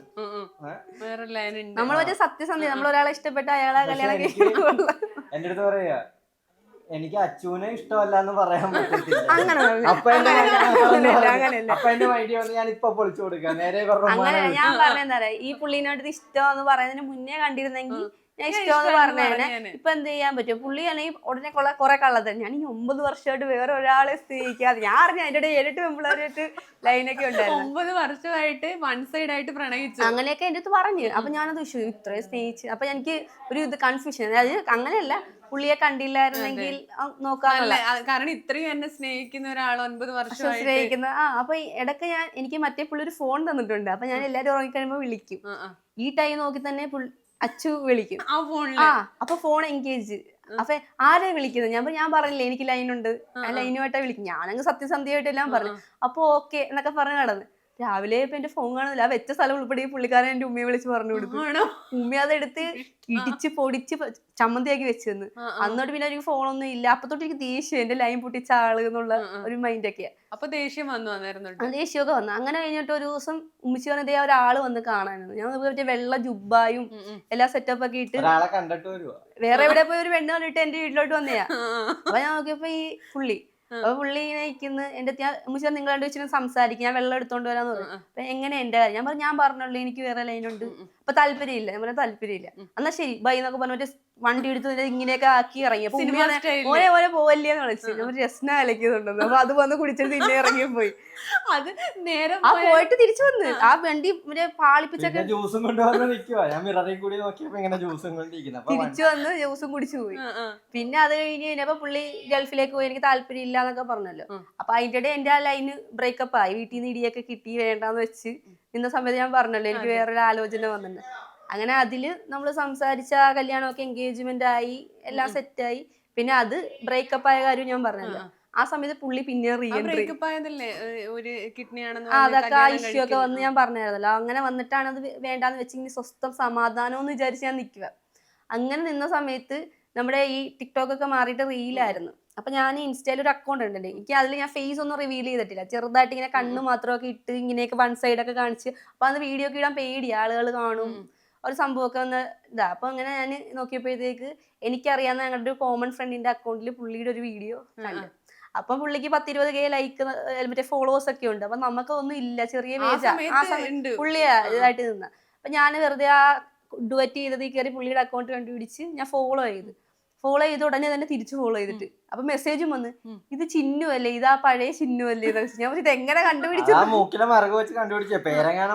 S4: നമ്മളൊരു സത്യസന്ധത, നമ്മൾ ഒരാളെ ഇഷ്ടപ്പെട്ട അയാളെ കല്യാണം
S2: എന്റെ അടുത്ത് പറയാ എനിക്ക് അച്ചുവിനെ ഇഷ്ടമല്ല എന്ന് പറയാൻ പറ്റത്തില്ല. അപ്പൊ എന്റെ അപ്പൊ എന്റെ മൈൻഡ് വന്ന് ഞാൻ ഇപ്പൊ പൊളിച്ചു കൊടുക്കാം നേരെ.
S4: അങ്ങനെ ഞാൻ പറഞ്ഞെന്താ പറയാ, ഈ പുള്ളീനോട് ഇഷ്ടമെന്ന് പറയുന്നതിന് മുന്നേ കണ്ടിരുന്നെങ്കിൽ ഞാൻ ഇഷ്ടമെന്ന് പറഞ്ഞേനെ. ഇപ്പൊ എന്ത് ചെയ്യാൻ പറ്റും? പുള്ളി അല്ലെങ്കിൽ ഉടനെ കൊള്ള കുറെ കള്ളത് ഞാൻ ഈ ഒമ്പത് വർഷമായിട്ട് വേറെ ഒരാളെ സ്നേഹിക്കാതെ ഞാൻ അറിഞ്ഞ അതിന്റെ ഇടയിൽ ഏഴെട്ട് പെമ്പിളായിട്ട് ലൈനൊക്കെ ഉണ്ടായിരുന്നു.
S1: ഒമ്പത് വർഷമായിട്ട് വൺ സൈഡ് ആയിട്ട് പ്രണയിച്ചു
S4: അങ്ങനെയൊക്കെ എന്റെ അടുത്ത് പറഞ്ഞു. അപ്പൊ ഞാനത് വിഷു ഇത്രയും സ്നേഹിച്ച് അപ്പൊ എനിക്ക് ഒരു ഇത് കൺഫ്യൂഷൻ. അതായത് അങ്ങനെയല്ല, പുള്ളിയെ കണ്ടില്ലായിരുന്നെങ്കിൽ നോക്കാനുള്ള,
S1: കാരണം ഇത്രയും എന്നെ സ്നേഹിക്കുന്ന ഒരാൾ ഒൻപത് വർഷം
S4: സ്നേഹിക്കുന്ന. ആ അപ്പൊ ഇടയ്ക്ക് ഞാൻ എനിക്ക് മറ്റേ പുള്ളി ഒരു ഫോൺ തന്നിട്ടുണ്ട്. അപ്പൊ ഞാൻ എല്ലാരും ഉറങ്ങിക്കഴിയുമ്പോ വിളിക്കും. ഈ ടൈം നോക്കി തന്നെ അച്ചു വിളിക്കും. ആ അപ്പൊ ഫോൺ എൻഗേജ്. അപ്പൊ ആരെ വിളിക്കുന്നത്? ഞാൻ ഞാൻ പറഞ്ഞില്ലേ എനിക്ക് ലൈനുണ്ട്, ആ ലൈനുമായിട്ടാ വിളിക്കും. ഞാനങ്ങ് സത്യസന്ധ്യയായിട്ടെല്ലാം പറഞ്ഞു. അപ്പൊ ഓക്കെ എന്നൊക്കെ പറഞ്ഞ് നടന്ന് രാവിലെ ഇപ്പൊ എന്റെ ഫോൺ കാണുന്നില്ല. ആ വെച്ച സ്ഥലം ഉൾപ്പെടെ പുള്ളിക്കാരൻ എന്റെ ഉമ്മയെ വിളിച്ച് പറഞ്ഞു കൊടുത്തു. ഉമ്മ അതെടുത്ത് ഇടിച്ച് പൊടിച്ച് ചമ്മന്തിയാക്കി വെച്ച് തന്നു. അന്നോട്ട് പിന്നെ എനിക്ക് ഫോണൊന്നും ഇല്ല. അപ്പൊ തൊട്ട് എനിക്ക് ദേഷ്യം, എന്റെ ലൈൻ പൊട്ടിച്ച ആള് എന്നുള്ള ഒരു മൈൻഡൊക്കെയാ.
S1: അപ്പൊ ദേഷ്യം വന്നു വന്നിരുന്നു.
S4: ദേഷ്യമൊക്കെ വന്നു. അങ്ങനെ കഴിഞ്ഞിട്ട് ഒരു ദിവസം ഉമ്മിച്ച് പറഞ്ഞതേ ഒരാള് വന്ന് കാണാനാണ്. ഞാൻ മറ്റേ വെള്ള ജുബായും എല്ലാ സെറ്റപ്പ് ഒക്കെ ഇട്ട് വേറെ എവിടെ പോയി ഒരു പെണ്ണ് കണ്ടിട്ട് എന്റെ വീട്ടിലോട്ട് വന്നയാ. അപ്പൊ ഞാൻ നോക്കിയപ്പോ ഈ പുള്ളി അപ്പൊ പുള്ളി ഇങ്ങനെ ഇരിക്കുന്നു. എന്റെ ഉമ്മിച്ച നിങ്ങൾ രണ്ടു വെച്ചിട്ട് സംസാരിക്കും, ഞാൻ വെള്ളം എടുത്തോണ്ട് വരാന്ന് പറഞ്ഞു. അപ്പൊ എങ്ങനെ എന്റെ കാര്യം? ഞാൻ പറഞ്ഞു ഞാൻ പറഞ്ഞുള്ളൂ എനിക്ക് വേറെ ലൈനുണ്ട്, അപ്പൊ താല്പര്യമില്ല. ഞാൻ പറഞ്ഞ താല്പര്യമില്ല. എന്നാ ശരി ബൈ എന്നൊക്കെ പറഞ്ഞ മറ്റേ വണ്ടി എടുത്ത് ഇങ്ങനെയൊക്കെ ആക്കി ഇറങ്ങി. അപ്പൊ ഓരേ ഓരോ പോവല്ലേന്ന് വിളിച്ചു. ഞാൻ രസന അലക്കിയതുണ്ടെന്ന്. അപ്പൊ അത് വന്ന് കുടിച്ചിട്ട് പിന്നെ ഇറങ്ങി പോയി.
S1: അത് നേരെ
S4: ആ പോയിട്ട് തിരിച്ചു വന്ന് ആ വണ്ടി മറ്റേ പാളിപ്പിച്ചൊക്കെ
S2: ജ്യൂസും കൊണ്ടുവന്ന് നിൽക്കുവാ. ഞാൻ മിററിൽ കൂടി നോക്കിയപ്പോ ഇങ്ങനെ ജ്യൂസും കൊണ്ടിരിക്കുന്നു.
S4: തിരിച്ചു വന്ന് ജ്യൂസും കുടിച്ചു പോയി. പിന്നെ അത് കഴിഞ്ഞ് കഴിഞ്ഞപ്പോ പുള്ളി ഗൾഫിലേക്ക് പോയി, എനിക്ക് താല്പര്യം ഇല്ല എന്നൊക്കെ പറഞ്ഞല്ലോ. അപ്പൊ അതിന്റെ ഇടയിൽ എന്റെ ആ ലൈന് ബ്രേക്കപ്പ് ആയി. വീട്ടിൽ നിന്ന് ഇടിയൊക്കെ കിട്ടി വേണ്ടാന്ന് വെച്ച് നിന്ന സമയത്ത് ഞാൻ പറഞ്ഞല്ലോ എനിക്ക് വേറൊരു ആലോചന വന്നിട്ടുണ്ട്. അങ്ങനെ അതില് നമ്മള് സംസാരിച്ച കല്യാണമൊക്കെ എൻഗേജ്മെന്റ് ആയി, എല്ലാം സെറ്റായി. പിന്നെ അത് ബ്രേക്കപ്പ് ആയ കാര്യം ഞാൻ പറഞ്ഞല്ലോ. ആ സമയത്ത് പുള്ളി പിന്നെ റീഎൻട്രി അതൊക്കെ ആ ഇഷ്യൂ ഒക്കെ വന്ന് ഞാൻ പറഞ്ഞായിരുന്നല്ലോ. അങ്ങനെ വന്നിട്ടാണ് അത് വേണ്ടാന്ന് വെച്ച് ഇനി സ്വസ്ഥം സമാധാനം എന്ന് വിചാരിച്ച് ഞാൻ നിൽക്കുക. അങ്ങനെ നിന്ന സമയത്ത് നമ്മുടെ ഈ ടിക്ടോക്ക് ഒക്കെ മാറിയിട്ട് റീലായിരുന്നു. അപ്പൊ ഞാൻ ഇൻസ്റ്റയിൽ ഒരു അക്കൗണ്ട് ഉണ്ട് എനിക്ക്. അതിൽ ഞാൻ ഫേസ് ഒന്നും റിവീൽ ചെയ്തിട്ടില്ല. ചെറുതായിട്ട് ഇങ്ങനെ കണ്ണ് മാത്രമൊക്കെ ഇട്ട് ഇങ്ങനെയൊക്കെ വൺ സൈഡ് ഒക്കെ കാണിച്ച്. അപ്പൊ അത് വീഡിയോ ഒക്കെ ഇടാൻ പേടി, ആളുകൾ കാണും ഒരു സംഭവമൊക്കെ വന്ന് ഇതാ. അപ്പൊ അങ്ങനെ ഞാൻ നോക്കിയപ്പോഴത്തേക്ക് എനിക്കറിയാവുന്ന ഞങ്ങളുടെ ഒരു കോമൺ ഫ്രണ്ടിന്റെ അക്കൗണ്ടിൽ പുള്ളിയുടെ ഒരു വീഡിയോ കണ്ടു. അപ്പൊ പുള്ളിക്ക് പത്തിരുപത് കെ ലൈക്ക് മറ്റേ ഫോളോവേഴ്സ് ഒക്കെ ഉണ്ട്. അപ്പൊ നമുക്കൊന്നും ഇല്ല, ചെറിയ പേജാ ആ സമയത്ത് പുള്ളിയാ ഇതായിട്ട് നിന്ന. അപ്പൊ ഞാൻ വെറുതെ ആ ഡുവറ്റ് ചെയ്തത് കയറി പുള്ളിയുടെ അക്കൗണ്ട് കണ്ടുപിടിച്ച് ഞാൻ ഫോളോ ചെയ്ത് ഫോളോ ചെയ്ത് ഉടനെ തന്നെ തിരിച്ചു ഫോളോ ചെയ്തിട്ട് അപ്പൊ മെസ്സേജും വന്ന് ഇത് ചിന്നു അല്ലേ, ഇതാ പഴയ ചിന്നു അല്ലേ. ഞാൻ ഇത് എങ്ങനെ കണ്ടുപിടിച്ചു?
S2: മൂക്കിലെ മറുക വെച്ച് കണ്ടുപിടിച്ച പേരെങ്ങാനും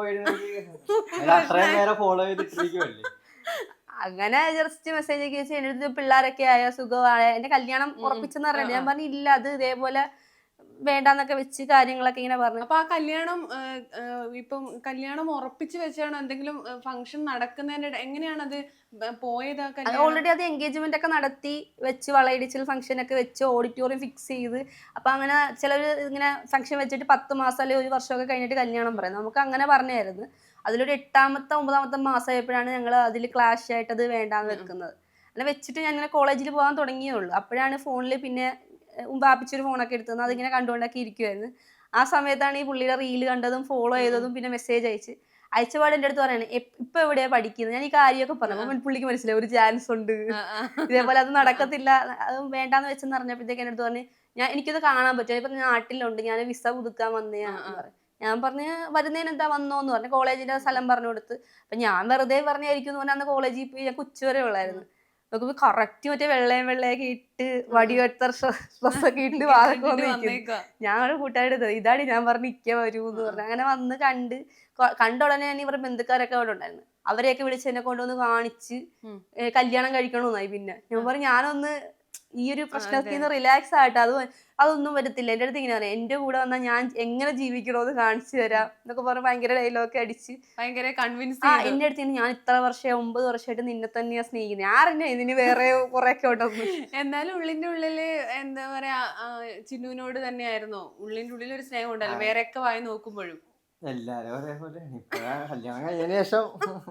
S2: മാറിപ്പോയി.
S4: അങ്ങനെ ജസ്റ്റ് മെസ്സേജ് ഒക്കെ വെച്ച് എന്റെ അടുത്ത് പിള്ളേരൊക്കെ ആയ സുഖമായ എന്റെ കല്യാണം ഉറപ്പിച്ചെന്ന് പറഞ്ഞിട്ട് ഞാൻ പറഞ്ഞു ഇല്ല അത് ഇതേപോലെ വേണ്ടാന്നൊക്കെ വെച്ച് കാര്യങ്ങളൊക്കെ ഇങ്ങനെ പറഞ്ഞു.
S1: അപ്പൊ ആ കല്യാണം ഇപ്പം കല്യാണം ഉറപ്പിച്ച് വെച്ചാണ് എന്തെങ്കിലും ഫംഗ്ഷൻ നടക്കുന്നതിന്റെ എങ്ങനെയാണത് പോയത്?
S4: ഓൾറെഡി അത് എൻഗേജ്മെന്റ് ഒക്കെ നടത്തി വെച്ച് വളയിടിച്ചിൽ ഫംഗ്ഷൻ ഒക്കെ വെച്ച് ഓഡിറ്റോറിയം ഫിക്സ് ചെയ്ത്. അപ്പൊ അങ്ങനെ ചിലര് ഇങ്ങനെ ഫംഗ്ഷൻ വെച്ചിട്ട് പത്ത് മാസം അല്ലെങ്കിൽ ഒരു വർഷമൊക്കെ കഴിഞ്ഞിട്ട് കല്യാണം പറയും. നമുക്ക് അങ്ങനെ പറഞ്ഞായിരുന്നു. അതിലൊരു എട്ടാമത്തെ ഒമ്പതാമത്തെ മാസമായപ്പോഴാണ് ഞങ്ങൾ അതിൽ ക്ലാഷ് ആയിട്ട് അത് വേണ്ടാന്ന് വെക്കുന്നത്. അങ്ങനെ വെച്ചിട്ട് ഞാൻ ഇങ്ങനെ കോളേജിൽ പോകാൻ തുടങ്ങിയുള്ളൂ. അപ്പോഴാണ് ഫോണിൽ പിന്നെ ബാപ്പിച്ചൊരു ഫോണൊക്കെ എടുത്തത്. അതിങ്ങനെ കണ്ടുകൊണ്ടൊക്കെ ഇരിക്കുമായിരുന്നു. ആ സമയത്താണ് ഈ പുള്ളിയുടെ റീല് കണ്ടതും ഫോളോ ചെയ്തതും പിന്നെ മെസ്സേജ് അയച്ച് അയച്ചപാട് എൻ്റെ അടുത്ത് പറയണേ ഇപ്പൊ എവിടെയാ പഠിക്കുന്നത്. ഞാൻ ഈ കാര്യമൊക്കെ പറഞ്ഞു. പുള്ളിക്ക് മനസ്സിലായി ഒരു ചാൻസ് ഉണ്ട്, ഇതേപോലെ അത് നടക്കത്തില്ല, അത് വേണ്ടാന്ന് വെച്ചെന്ന് പറഞ്ഞപ്പോഴത്തേക്ക് എൻ്റെ അടുത്ത് പറഞ്ഞു ഞാൻ എനിക്കത് കാണാൻ പറ്റും. ഇപ്പൊ നാട്ടിലുണ്ട്, ഞാൻ വിസ പുതുക്കാൻ വന്നതാന്ന് പറഞ്ഞു. ഞാൻ പറഞ്ഞ് വരുന്നതിന് എന്താ വന്നോന്ന് പറഞ്ഞു. കോളേജിന്റെ സ്ഥലം പറഞ്ഞു കൊടുത്ത്. അപ്പൊ ഞാൻ വെറുതെ പറഞ്ഞായിരിക്കും എന്ന് പറഞ്ഞാൽ അന്ന് കോളേജിൽ പോയി ഞാൻ ഉച്ചവരെ ഉള്ളായിരുന്നു. നോക്കുമ്പോ കറക്റ്റ് മറ്റേ വെള്ളയും വെള്ളയൊക്കെ ഇട്ട് വടിവെട്ട ഡ്രസ്സൊക്കെ ഇട്ട് വാതൊക്കെ വന്നിരിക്കും. ഞാൻ ഒരു കൂട്ടുകാരുടെ ഇതാണ് ഞാൻ പറഞ്ഞ് ഇക്ക വരൂ എന്ന് പറഞ്ഞു. അങ്ങനെ വന്ന് കണ്ട് കണ്ട ഉടനെ തന്നെ ഇവരുടെ ബന്ധുക്കാരൊക്കെ അവിടെ ഉണ്ടായിരുന്നു. അവരെയൊക്കെ വിളിച്ച് എന്നെ കൊണ്ടുവന്ന് കാണിച്ച് കല്യാണം കഴിക്കണമെന്നായി. പിന്നെ ഞാൻ പറഞ്ഞു ഞാനൊന്ന് ഈ ഒരു പ്രശ്നത്തിൽ നിന്ന് റിലാക്സ് ആയിട്ട് അത് അതൊന്നും വരത്തില്ല. എൻ്റെ അടുത്ത് ഇങ്ങനെ പറയാം എൻ്റെ കൂടെ വന്നാൽ ഞാൻ എങ്ങനെ ജീവിക്കണോന്ന് കാണിച്ചു തരാം എന്നൊക്കെ പറഞ്ഞ് ഭയങ്കര ഡയലോഗൊക്കെ അടിച്ച്
S1: ഭയങ്കര കൺവിൻസ്.
S4: ആ എൻ്റെ അടുത്ത് ഞാൻ ഇത്ര വർഷം ഒമ്പത് വർഷമായിട്ട് നിന്നെ തന്നെയാ സ്നേഹിക്കുന്നത്, ആരെന്നെ ഇതിന് വേറെ കുറെയൊക്കെ ഉണ്ടെന്ന്.
S1: എന്നാലും ഉള്ളിന്റെ ഉള്ളില് എന്താ പറയാ ചിന്നുവിനോട് തന്നെയായിരുന്നോ ഉള്ളിന്റെ ഉള്ളിൽ ഒരു സ്നേഹം ഉണ്ടല്ലോ വേറെയൊക്കെ വായി നോക്കുമ്പോഴും?
S2: എല്ലാരും അതേപോലെ കല്യാണം കഴിഞ്ഞതിന് ശേഷം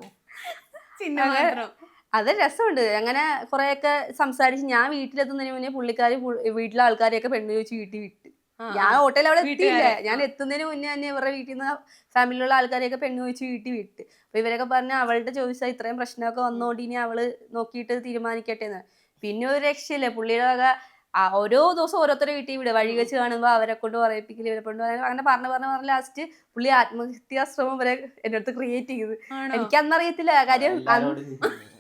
S1: ചിന്നു മാത്രം.
S4: അത് രസമുണ്ട്. അങ്ങനെ കുറെയൊക്കെ സംസാരിച്ച് ഞാൻ വീട്ടിലെത്തുന്നതിന് മുന്നേ പുള്ളിക്കാരി വീട്ടിലെ ആൾക്കാരെയൊക്കെ പെണ്ണ് ചോദിച്ച് വീട്ടിൽ വിട്ട്. ഞാൻ ഹോട്ടലിൽ അവിടെ എത്തിയില്ല. ഞാൻ എത്തുന്നതിന് മുന്നേ തന്നെ ഇവരുടെ വീട്ടിൽ നിന്ന് ഫാമിലിയിലുള്ള ആൾക്കാരെയൊക്കെ പെണ്ണ് ചോദിച്ച് വീട്ടിൽ വിട്ട്. അപ്പൊ ഇവരൊക്കെ പറഞ്ഞ അവളുടെ ചോദിച്ചാൽ ഇത്രയും പ്രശ്നമൊക്കെ വന്നോണ്ട് ഇനി അവള് നോക്കിയിട്ട് തീരുമാനിക്കട്ടെ എന്ന്. പിന്നെ ഒരു രക്ഷയില്ല. പുള്ളിയുടെ വക ഓരോ ദിവസം ഓരോരുത്തരെ വീട്ടിൽ വിടുക. വഴി വെച്ച് കാണുമ്പോൾ അവരെ കൊണ്ട് പറയിപ്പിക്കല്, ഇവരെ കൊണ്ട് അങ്ങനെ പറഞ്ഞ് പറഞ്ഞ് പറഞ്ഞ് ലാസ്റ്റ് പുള്ളി ആത്മഹത്യാശ്രമം വരെ എന്റെ അടുത്ത് ക്രിയേറ്റ് ചെയ്ത്. എനിക്ക് അന്നറിയത്തില്ല കാര്യം.